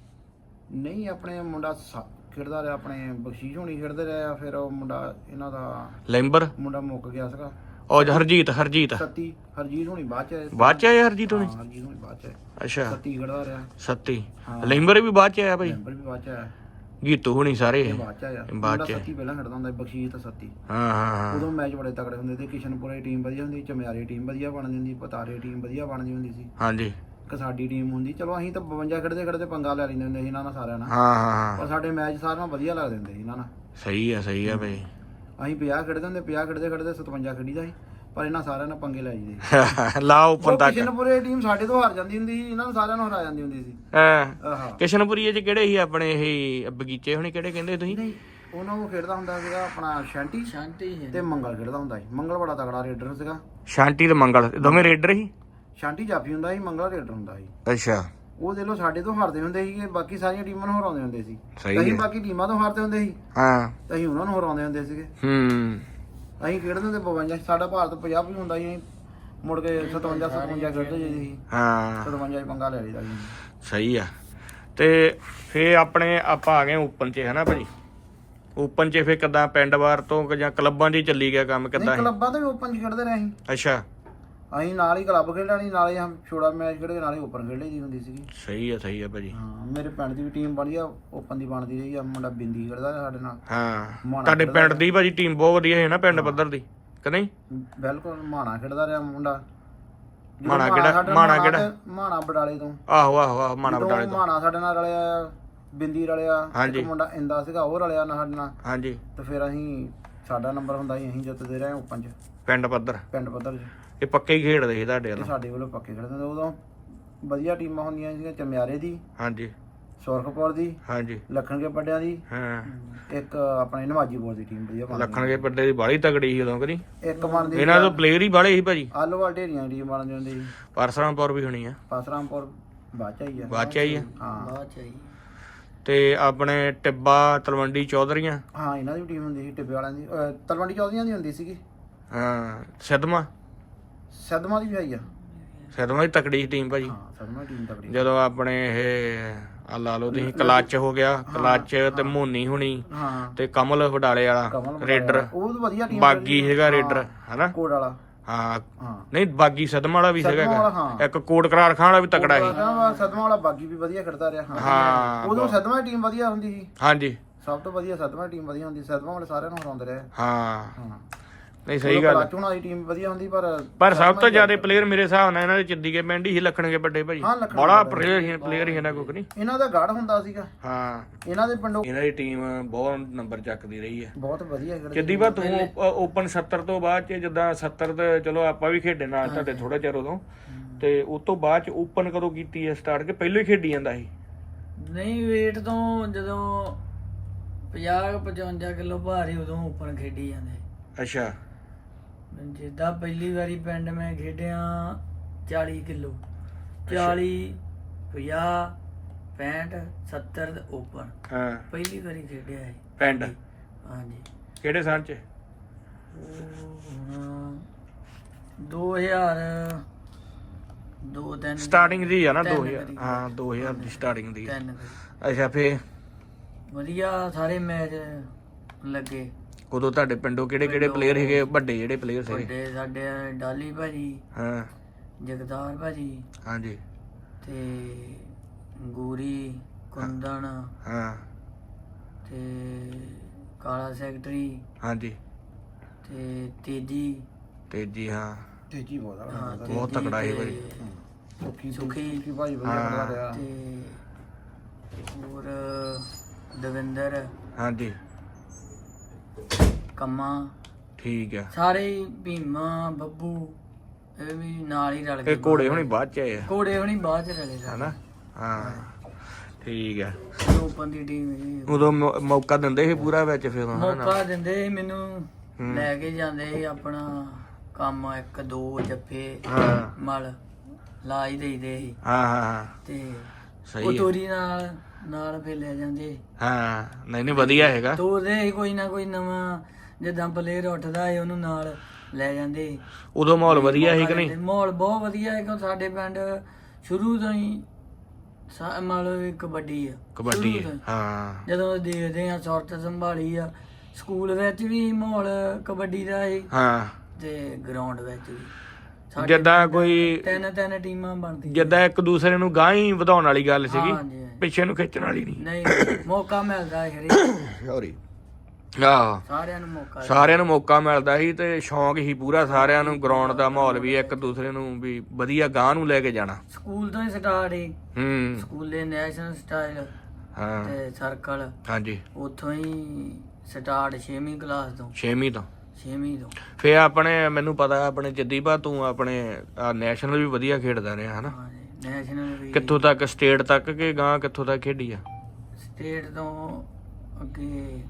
Speaker 2: ਨਹੀਂ, ਆਪਣੇ ਮੁੰਡਾ ਖੇਡਦਾ ਰਿਹਾ, ਆਪਣੇ ਬਖਸ਼ੀਸ਼ ਹੋਣੀ ਖੇਡਦੇ ਰਹੇ ਆ। ਫਿਰ ਉਹ ਮੁੰਡਾ ਇਹਨਾਂ ਦਾ
Speaker 1: ਲੈਂਬਰ
Speaker 2: ਮੁੰਡਾ ਮੁੱਕ ਗਿਆ ਸੀਗਾ।
Speaker 1: ਉਹ ਹਰਜੀਤ
Speaker 2: ਹਰਜੀਤ ਹੋਣੀ ਬਾਅਦ ਚ ਆਏ।
Speaker 1: ਬਾਅਦ ਚ ਆਏ ਹਰਜੀਤ ਹੋਣੀ?
Speaker 2: ਹਰਜੀਤ ਹੋਣੀ ਬਾਅਦ ਚ ਆਏ।
Speaker 1: ਅੱਛਾ,
Speaker 2: ਸੱਤੀ ਖੇਡਦਾ ਰਿਹਾ।
Speaker 1: ਸੱਤੀ ਲੈਂਬਰ ਵੀ ਬਾਅਦ ਚ ਆਇਆ ਭਾਈ?
Speaker 2: ਮੈਂਬਰ ਵੀ ਬਾਅਦ ਚ ਆਇਆ।
Speaker 1: ਗੀਤੂ ਹੋਣੀ ਸਾਰੇ
Speaker 2: ਬਾਅਦ ਚ ਆਇਆ।
Speaker 1: ਬਾਅਦ ਚ।
Speaker 2: ਸੱਤੀ ਪਹਿਲਾਂ ਖੇਡਦਾ ਹੁੰਦਾ, ਬਖਸ਼ੀਸ਼ ਤੇ ਸੱਤੀ।
Speaker 1: ਹਾਂ।
Speaker 2: ਉਦੋਂ ਮੈਚ ਬੜੇ ਤਕੜੇ ਹੁੰਦੇ ਤੇ। ਕਿਸ਼ਨਪੁਰੇ ਟੀਮ ਵਧੀਆ ਹੁੰਦੀ, ਚਮਿਆਰੀ ਟੀਮ ਵਧੀਆ ਬਣਦੀ ਹੁੰਦੀ, ਪਤਾਰੇ ਟੀਮ ਵਧੀਆ ਬਣਦੀ ਹੁੰਦੀ ਸੀ।
Speaker 1: ਹਾਂਜੀ।
Speaker 2: ਇੱਕ ਸਾਡੀ ਟੀਮ ਹੁੰਦੀ। ਚਲੋ ਅਸੀਂ ਤਾਂ 52 ਖੇਡਦੇ ਪੰਗਾ ਲੈ ਲੈਂਦੇ ਹੁੰਦੇ ਸੀ ਇਹਨਾਂ ਨਾਲ ਸਾਰਿਆਂ ਨਾਲ।
Speaker 1: ਹਾਂ।
Speaker 2: ਪਰ ਸਾਡੇ ਮੈਚ ਸਾਰਿਆਂ ਨਾਲ ਵਧੀਆ ਲੱਗਦੇ ਹੁੰਦੇ ਸੀ ਇਹਨਾਂ ਨਾਲ।
Speaker 1: ਸਹੀ ਆ ਭਾਈ।
Speaker 2: ਅਸੀਂ 50 ਖੇਡਦੇ ਹੁੰਦੇ, 50 ਖੇਡਦੇ 57 ਖੇਡੀਦਾ ਸੀ। ਪਰ ਇਹਨਾਂ ਸਾਰਿਆਂ ਨਾਲ ਪੰਗੇ ਲੈ ਜਾਂਦੇ।
Speaker 1: ਲਾ ਓਪਨ ਤੱਕ
Speaker 2: ਕਿਸ਼ਨਪੁਰੇ ਟੀਮ ਸਾਡੇ ਤੋਂ ਹਾਰ ਜਾਂਦੀ ਹੁੰਦੀ ਸੀ, ਇਹਨਾਂ ਨੂੰ ਸਾਰਿਆਂ ਨੂੰ ਹਰਾ ਜਾਂਦੀ ਹੁੰਦੀ ਸੀ।
Speaker 1: ਹਾਂ। ਕਿਸ਼ਨਪੁਰੀਏ ਚ ਕਿਹੜੇ ਸੀ ਆਪਣੇ ਇਹ ਬਗੀਚੇ ਹੋਣੀ, ਕਿਹੜੇ ਕਹਿੰਦੇ ਤੁਸੀਂ?
Speaker 2: ਨਹੀਂ, ਉਹਨਾਂ ਨੂੰ ਖੇਡਦਾ ਹੁੰਦਾ ਸੀਗਾ ਆਪਣਾ ਸ਼ਾਂਟੀ ਤੇ ਮੰਗਲ ਖੇਡਦਾ ਹੁੰਦਾ ਸੀ। ਮੰਗਲ ਬੜਾ ਤਗੜਾ ਰੇਡਰ ਸੀਗਾ।
Speaker 1: ਸ਼ਾਂਟੀ ਤੇ ਮੰਗਲ ਦੋਵੇਂ ਰੇਡਰ ਸੀ?
Speaker 2: ਸ਼ਾਂਟੀ ਜਾਫੀ ਹੁੰਦਾ ਸੀ, ਮੰਗਲ ਰੇਡਰ ਹੁੰਦਾ ਸੀ।
Speaker 1: ਅੱਛਾ।
Speaker 2: ਉਹ ਦੇ ਲੋ ਸਾਡੇ ਤੋਂ ਹਾਰਦੇ ਹੁੰਦੇ ਸੀ, ਬਾਕੀ ਸਾਰੀਆਂ ਟੀਮਾਂ ਨੂੰ ਹਰਾਉਂਦੇ ਹੁੰਦੇ ਸੀ।
Speaker 1: ਸਹੀ
Speaker 2: ਬਾਕੀ ਟੀਮਾਂ ਤੋਂ ਹਾਰਦੇ ਹੁੰਦੇ ਸੀ।
Speaker 1: ਹਾਂ,
Speaker 2: ਅਸੀਂ ਉਹਨਾਂ ਨੂੰ ਹਰਾਉਂਦੇ ਹੁੰਦੇ ਸੀਗੇ। ਅਸੀਂ ਖੇਡਦੇ ਹੁੰਦੇ 52। ਸਾਡਾ ਭਾਰਤ 50 ਵੀ ਹੁੰਦਾ ਸੀ। ਮੁੜ ਕੇ 57 ਖੇਡਦੇ ਸੀ।
Speaker 1: ਹਾਂ,
Speaker 2: 57 ਪੰਗਾ ਲੈ ਲਈਦਾ ਸੀ।
Speaker 1: ਸਹੀ ਆ। ਤੇ ਫੇਰ ਆਪਣੇ ਆਪਾਂ ਆ ਗਏ ਓਪਨ ਚ, ਹਨਾ ਭਾਜੀ? ਓਪਨ ਚ ਫੇਰ ਕਿੱਦਾਂ ਪਿੰਡ ਵਾਰ ਤੋਂ ਜਾਂ ਕਲੱਬਾਂ 'ਚ ਹੀ ਚੱਲੀ ਗਿਆ ਕੰਮ ਕਿੱਦਾਂ?
Speaker 2: ਕਲੱਬਾਂ ਤੋਂ ਵੀ ਓਪਨ 'ਚ ਖੇਡਦੇ ਰਹੇ ਅਸੀਂ।
Speaker 1: ਅੱਛਾ।
Speaker 2: ਅਸੀਂ ਨਾਲ ਹੀ ਕਲੱਬ ਖੇਡਣੀ, ਨਾਲੇ ਹਮ ਛੋੜਾ ਮੈਚ ਖੇਡੇ, ਨਾਲੇ ਓਪਨ ਖੇਡ ਲਈ ਹੁੰਦੀ ਸੀਗੀ।
Speaker 1: ਸਹੀ ਆ ਭਾਜੀ।
Speaker 2: ਹਾਂ, ਮੇਰੇ ਪਿੰਡ ਦੀ ਵੀ ਟੀਮ ਬਣੀ ਆ, ਓਪਨ ਦੀ ਬਣਦੀ ਰਹੀ ਆ। ਮੁੰਡਾ ਬਿੰਦੀ ਖੇਡਦਾ ਸਾਡੇ ਨਾਲ।
Speaker 1: ਹਾਂ, ਤੁਹਾਡੇ ਪਿੰਡ ਦੀ ਭਾਜੀ ਟੀਮ ਬਹੁਤ ਵਧੀਆ ਹੈ ਨਾ, ਪਿੰਡ ਪੱਧਰ ਦੀ, ਕਿ ਨਹੀਂ?
Speaker 2: ਬਿਲਕੁਲ। ਮਾਣਾ ਖੇਡਦਾ ਰਿਹਾ ਮੁੰਡਾ।
Speaker 1: ਮਾਣਾ ਕਿਹੜਾ?
Speaker 2: ਮਾਣਾ ਬਡਾਲੇ ਤੋਂ।
Speaker 1: ਆਹੋ ਮਾਣਾ ਬਡਾਲੇ ਤੋਂ।
Speaker 2: ਮਾਣਾ ਸਾਡੇ ਨਾਲ ਰਲਿਆ, ਬਿੰਦੀ ਰਲਿਆ, ਇੱਕ ਮੁੰਡਾ ਇੰਦਾ ਸੀਗਾ ਉਹ ਰਲਿਆ ਨਾਲ ਸਾਡੇ ਨਾਲ।
Speaker 1: ਹਾਂਜੀ।
Speaker 2: ਤੇ ਫਿਰ ਅਸੀਂ ਸਾਡਾ ਨੰਬਰ ਹੁੰਦਾ ਸੀ, ਅਸੀਂ ਜਿੱਤਦੇ ਰਹੇ ਓਪਨ 'ਚ। ਪਿੰਡ ਪੱਧਰ 'ਚ
Speaker 1: ਇਹ ਪੱਕੇ ਹੀ ਖੇਡਦੇ ਸੀ ਤੁਹਾਡੇ ਵੱਲ?
Speaker 2: ਸਾਡੇ ਵੱਲੋਂ ਪੱਕੇ ਖੇਡਦੇ ਹੁੰਦੇ। ਉਦੋਂ ਵਧੀਆ ਟੀਮਾਂ ਹੁੰਦੀਆਂ ਸੀਗੀਆਂ। ਚਮਿਆਰੇ ਦੀ,
Speaker 1: ਹਾਂਜੀ,
Speaker 2: ਸੁਰਖਪੁਰ ਦੀ,
Speaker 1: ਹਾਂਜੀ,
Speaker 2: ਲੱਖਣਗੇ ਪੱਡਿਆਂ ਦੀ,
Speaker 1: ਹਾਂ,
Speaker 2: ਇੱਕ ਆਪਣੇ ਨਵਾਜੀਪੁਰ ਦੀ ਟੀਮ ਵਧੀਆ ਬਣਦੀ।
Speaker 1: ਲੱਖਣਗੇ ਪੱਡੇ ਦੀ ਬਾਹਲੀ ਤਗੜੀ ਸੀ ਉਦੋਂ, ਕਰੀ
Speaker 2: ਇੱਕ ਬਣਦੀ
Speaker 1: ਇਹਨਾਂ ਤੋਂ ਪਲੇਅਰ ਹੀ ਬਾਹਲੇ ਸੀ ਭਾਜੀ।
Speaker 2: ਆਲੋਵਾਲ ਢੇਰੀਆਂ ਦੀ ਟੀਮ ਬਣਦੀ ਹੁੰਦੀ ਸੀ।
Speaker 1: ਪਰਸਰਾਮਪੁਰ ਵੀ ਹੋਣੀ ਆ?
Speaker 2: ਪਰਸਰਾਮਪੁਰ ਬਾਅਦ ਚ ਆਈ ਆ।
Speaker 3: ਹਾਂ, ਬਾਅਦ ਚ ਆਈ।
Speaker 1: ਤੇ ਆਪਣੇ ਟਿੱਬਾ ਤਲਵੰਡੀ ਚੌਧਰੀਆਂ?
Speaker 2: ਹਾਂ, ਇਹਨਾਂ ਦੀ ਟੀਮ ਹੁੰਦੀ ਸੀ ਟਿੱਬੇ ਵਾਲਿਆਂ ਦੀ। ਤਲਵੰਡੀ ਚੌਧਰੀਆਂ ਦੀ ਹੁੰਦੀ ਸੀਗੀ।
Speaker 1: ਹਾਂ। ਸਿੱਧਵਾਂ
Speaker 2: ਦੀ ਵੀ ਆਈ ਆ।
Speaker 1: ਸਿੱਧਵਾਂ ਦੀ ਤਕੜੀ ਟੀਮ ਭਾਜੀ।
Speaker 2: ਹਾਂ, ਸਿੱਧਵਾਂ ਦੀ ਟੀਮ ਤਕੜੀ।
Speaker 1: ਜਦੋਂ ਆਪਣੇ ਇਹ ਲਾ ਲਓ ਤੁਸੀਂ ਕਲੱਚ ਹੋ ਗਿਆ, ਕਲੱਚ ਤੇ ਮੋਨੀ ਹੁਣੀ ਤੇ ਕਮਲ ਵਡਾਲੇ ਵਾਲਾ ਰੇਡਰ,
Speaker 2: ਉਹ ਵਧੀਆ ਟੀਮ।
Speaker 1: ਬਾਗੀ ਹੈਗਾ ਰੇਡਰ, ਹਨਾ?
Speaker 2: ਕੋਡ ਵਾਲਾ।
Speaker 1: ਹਾਂ, ਨਹੀਂ ਬਾਗੀ ਸਦਮਾ ਵਾਲਾ ਵੀ ਸੀਗਾ। ਇੱਕ ਕੋਟ ਕਰਾਰ ਖਾਨ ਵਾਲਾ ਵੀ ਤਕੜਾ ਸੀ।
Speaker 2: ਸਦਮਾ ਵਾਲਾ ਬਾਗੀ ਵੀ ਵਧੀਆ ਖੇਡਦਾ ਰਿਹਾ। ਹਾਂ, ਉਦੋਂ ਸਦਮਾ ਦੀ ਟੀਮ ਵਧੀਆ ਹੁੰਦੀ ਸੀ।
Speaker 1: ਹਾਂਜੀ,
Speaker 2: ਸਭ ਤੋਂ ਵਧੀਆ ਸਦਮਾ ਦੀ ਟੀਮ ਵਧੀਆ ਹੁੰਦੀ। ਸਦਮਾ ਵਾਲੇ ਸਾਰਿਆਂ ਨੂੰ ਹਰਾਉਂਦੇ ਰਹੇ।
Speaker 1: ਹਾਂ, ਨਹੀਂ ਸਹੀ ਗੱਲ।
Speaker 2: ਕਲਾਚੂਣਾ ਦੀ ਟੀਮ ਵਧੀਆ ਹੁੰਦੀ,
Speaker 1: ਪਰ ਸਭ ਤੋਂ ਜ਼ਿਆਦਾ ਪਲੇਅਰ ਮੇਰੇ ਹਿਸਾਬ ਨਾਲ ਇਹਨਾਂ ਦੇ ਚੱਦੀਕੇ ਪਿੰਡ ਹੀ ਲੱਖਣਗੇ ਵੱਡੇ ਭਾਜੀ। ਬੜਾ ਪਲੇਅਰ ਹੀ ਇਹਨਾਂ ਕੋਲ, ਨਹੀਂ?
Speaker 2: ਇਹਨਾਂ ਦਾ ਗੜ ਹੁੰਦਾ ਸੀਗਾ।
Speaker 1: ਹਾਂ,
Speaker 2: ਇਹਨਾਂ ਦੇ ਪਿੰਡੋਂ
Speaker 1: ਇਹਨਾਂ ਦੀ ਟੀਮ ਬਹੁਤ ਨੰਬਰ ਚੱਕਦੀ ਰਹੀ ਹੈ।
Speaker 2: ਬਹੁਤ ਵਧੀਆ ਖੇਡਦੀ।
Speaker 1: ਚੱਦੀ ਬਾ ਤੂੰ ਓਪਨ 70 ਤੋਂ ਬਾਅਦ ਚ, ਜਿੱਦਾਂ 70 ਤੇ ਚਲੋ ਆਪਾਂ ਵੀ ਖੇਡੇ ਨਾਲ ਤੁਹਾਡੇ ਥੋੜਾ ਚਿਰ ਉਦੋਂ, ਤੇ ਉਸ ਤੋਂ ਬਾਅਦ ਚ ਓਪਨ ਕਦੋਂ ਕੀਤੀ ਹੈ ਸਟਾਰਟ, ਕਿ ਪਹਿਲਾਂ ਹੀ ਖੇਡੀ ਜਾਂਦਾ ਸੀ?
Speaker 3: ਨਹੀਂ, ਵੇਟ ਤੋਂ ਜਦੋਂ 50-55 ਕਿਲੋ ਭਾਰ ਹੀ ਉਦੋਂ ਓਪਨ ਖੇਡੀ ਜਾਂਦੇ।
Speaker 1: ਅੱਛਾ।
Speaker 3: ਜਿੱਦਾਂ ਪਹਿਲੀ ਵਾਰੀ ਪਿੰਡ ਮੈਂ ਖੇਡਿਆ 40 ਕਿਲੋ, 40 50 65 70 ਤੇ ਓਪਨ
Speaker 1: ਹਾਂ
Speaker 3: ਪਹਿਲੀ ਵਾਰੀ ਖੇਡਿਆ ਹੈ
Speaker 1: ਪਿੰਡ
Speaker 3: ਹਾਂਜੀ।
Speaker 1: ਕਿਹੜੇ ਸਾਲ ਚ?
Speaker 3: ਉਹ ਹੁਣ 2000 2-3
Speaker 1: ਸਟਾਰਟਿੰਗ ਦੀ ਆ ਨਾ
Speaker 3: 3
Speaker 1: 2000 ਹਾਂ 2000 ਦੀ ਸਟਾਰਟਿੰਗ ਦੀ ਆ।
Speaker 3: 3
Speaker 1: ਅੱਛਾ ਫੇ
Speaker 3: ਵਧੀਆ ਸਾਰੇ ਮੈਚ ਲੱਗੇ।
Speaker 1: ਉਦੋਂ ਤੁਹਾਡੇ ਪਿੰਡੋਂ ਕਿਹੜੇ ਕਿਹੜੇ ਪਲੇਅਰ ਹੈਗੇ ਵੱਡੇ ਜਿਹੜੇ ਪਲੇਅਰ ਸੀਗੇ?
Speaker 3: ਵੱਡੇ ਸਾਡੇ ਡਾਲੀ ਭਾਜੀ,
Speaker 1: ਹਾਂ
Speaker 3: ਜਗਦਾਰ ਭਾਜੀ
Speaker 1: ਹਾਂਜੀ
Speaker 3: ਤੇ ਗੂਰੀ ਕੁੰਦਨ
Speaker 1: ਹਾਂ
Speaker 3: ਤੇ ਕਾਲਾ ਸੈਕਟਰੀ
Speaker 1: ਹਾਂਜੀ
Speaker 3: ਤੇ
Speaker 1: ਤੇਜੀ ਹਾਂ
Speaker 2: ਤੇਜੀ ਬਹੁਤ ਆ
Speaker 3: ਹਾਂ,
Speaker 1: ਬਹੁਤ
Speaker 3: ਤੇਜੀ
Speaker 1: ਤਕੜਾ ਸੀ
Speaker 3: ਤੇ
Speaker 1: ਭਾਈ।
Speaker 3: ਸੁਖੀ
Speaker 2: ਭਾਈ ਵਧੀਆ ਖੇਡਦਾ ਰਿਹਾ।
Speaker 3: ਤੇ ਹੋਰ ਦਵਿੰਦਰ
Speaker 1: ਹਾਂਜੀ
Speaker 3: ਕੰਮਾ
Speaker 1: ਠੀਕ ਆ।
Speaker 3: ਸਾਰੇ ਹੀ, ਭੀਮਾ ਬੱਬੂ ਇਹ ਵੀ ਨਾਲ ਹੀ ਰਲ ਗਏ।
Speaker 1: ਇਹ ਘੋੜੇ ਹੁਣੀ ਬਾਅਦ ਚ ਆਏ ਆ
Speaker 3: ਘੋੜੇ ਹੁਣੀ ਬਾਅਦ ਚ ਰਲੇ
Speaker 1: ਹਨਾ? ਹਾਂ ਠੀਕ ਆ।
Speaker 3: ਓਪਨ ਦੀ ਟੀਮ
Speaker 1: ਉਦੋਂ ਮੌਕਾ ਦਿੰਦੇ ਸੀ ਪੂਰਾ ਵਿੱਚ ਫਿਰ
Speaker 3: ਮੌਕਾ ਦਿੰਦੇ ਸੀ ਮੈਨੂੰ, ਲੈ ਕੇ ਜਾਂਦੇ ਸੀ ਆਪਣਾ ਕੰਮ 1-2 ਜੱਫੇ
Speaker 1: ਹਾਂ
Speaker 3: ਮਲ ਲਾ ਹੀ ਦੇਈਦੇ ਸੀ
Speaker 1: ਹਾਂ ਹਾਂ
Speaker 3: ਤੇ
Speaker 1: ਸਹੀ
Speaker 3: ਉਹ
Speaker 1: ਹੈ।
Speaker 3: ਤੋਰੀ ਨਾਲ ਫੇ ਲੈ ਜਾਂਦੇ।
Speaker 1: ਹਾਂ ਨਹੀਂ ਵਧੀਆ ਹੈਗਾ।
Speaker 3: ਤੋਰਦੇ ਸੀ ਕੋਈ ਨਾ ਕੋਈ ਨਵਾਂ, ਜਿੱਦਾਂ ਪਲੇਅਰ ਉੱਠਦਾ ਹੈ ਉਹਨੂੰ ਨਾਲ ਲੈ ਜਾਂਦੇ।
Speaker 1: ਉਦੋਂ ਮਾਹੌਲ ਵਧੀਆ ਸੀ ਕਿ ਨਹੀਂ?
Speaker 3: ਮਾਹੌਲ ਬਹੁਤ ਵਧੀਆ ਹੈ ਕਿਉਂ ਸਾਡੇ ਪਿੰਡ ਸ਼ੁਰੂ ਤੋਂ ਹੀ ਮੰਨ ਲਓ ਵੀ ਕਬੱਡੀ ਆ।
Speaker 1: ਕਬੱਡੀ
Speaker 3: ਸ਼ੁਰੂ ਤੋਂ ਹੀ।
Speaker 1: ਹਾਂ
Speaker 3: ਜਦੋਂ ਦੇਖਦੇ ਆ ਸੁਰਤ ਸੰਭਾਲੀ ਆ, ਸਕੂਲ ਵਿੱਚ ਵੀ ਮਾਹੌਲ ਕਬੱਡੀ ਦਾ ਹੈ
Speaker 1: ਹਾਂ
Speaker 3: ਤੇ ਗਰਾਊਂਡ ਵਿੱਚ ਵੀ
Speaker 1: ਜਿੱਦਾਂ ਕੋਈ
Speaker 3: ਤਿੰਨ ਟੀਮਾਂ ਬਣਦੀਆਂ।
Speaker 1: ਜਿੱਦਾਂ ਇੱਕ ਦੂਸਰੇ ਨੂੰ ਗਾਂ ਹੀ ਵਧਾਉਣ ਵਾਲੀ ਗੱਲ ਸੀਗੀ,
Speaker 3: ਹਾਂਜੀ, ਹਾਂਜੀ।
Speaker 1: ਪਿੱਛੇ ਨੂੰ ਖਿੱਚਣ ਵਾਲੀ ਨਹੀਂ।
Speaker 3: ਨਹੀਂ ਮੌਕਾ ਮਿਲਦਾ ਹੈ ਹਰੇਕ
Speaker 1: ਸੌਰੀ ਆਹ
Speaker 3: ਸਾਰਿਆਂ ਨੂੰ ਮੌਕਾ
Speaker 1: ਸਾਰਿਆਂ ਨੂੰ ਮੌਕਾ ਮਿਲਦਾ ਸੀ ਤੇ ਸ਼ੌਂਕ ਹੀ ਪੂਰਾ ਸਾਰਿਆਂ ਨੂੰ, ਗਰਾਊਂਡ ਦਾ ਮਾਹੌਲ ਵੀ ਇੱਕ ਦੂਸਰੇ ਨੂੰ ਵੀ ਵਧੀਆ ਗਾਂ ਨੂੰ ਲੈ ਕੇ ਜਾਣਾ।
Speaker 3: ਸਕੂਲ ਤੋਂ ਹੀ ਸਟਾਰਟ ਹੀ
Speaker 1: ਹੂੰ
Speaker 3: ਸਕੂਲੇ ਨੈਸ਼ਨਲ ਸਟਾਈਲ
Speaker 1: ਹਾਂ
Speaker 3: ਤੇ ਸਰਕਲ
Speaker 1: ਹਾਂਜੀ
Speaker 3: ਉੱਥੋਂ ਹੀ ਸਟਾਰਟ 6ਵੀਂ ਕਲਾਸ ਤੋਂ
Speaker 1: 6ਵੀਂ ਤੋਂ
Speaker 3: 6ਵੀਂ ਤੋਂ
Speaker 1: ਫੇ ਆਪਣੇ ਮੈਨੂੰ ਪਤਾ ਆਪਣੇ ਜੱਦੀਪਾ ਤੂੰ ਆਪਣੇ ਨੈਸ਼ਨਲ ਵੀ ਵਧੀਆ ਖੇਡਦਾ ਰਿਹਾ ਹਨਾ?
Speaker 3: ਹਾਂਜੀ ਨੈਸ਼ਨਲ ਵੀ
Speaker 1: ਕਿੱਥੋਂ ਤੱਕ? ਸਟੇਟ ਤੱਕ ਕਿ ਗਾਂ ਕਿੱਥੋਂ ਤੱਕ ਖੇਡੀ ਆ?
Speaker 3: ਸਟੇਟ ਤੋਂ ਅੱਗੇ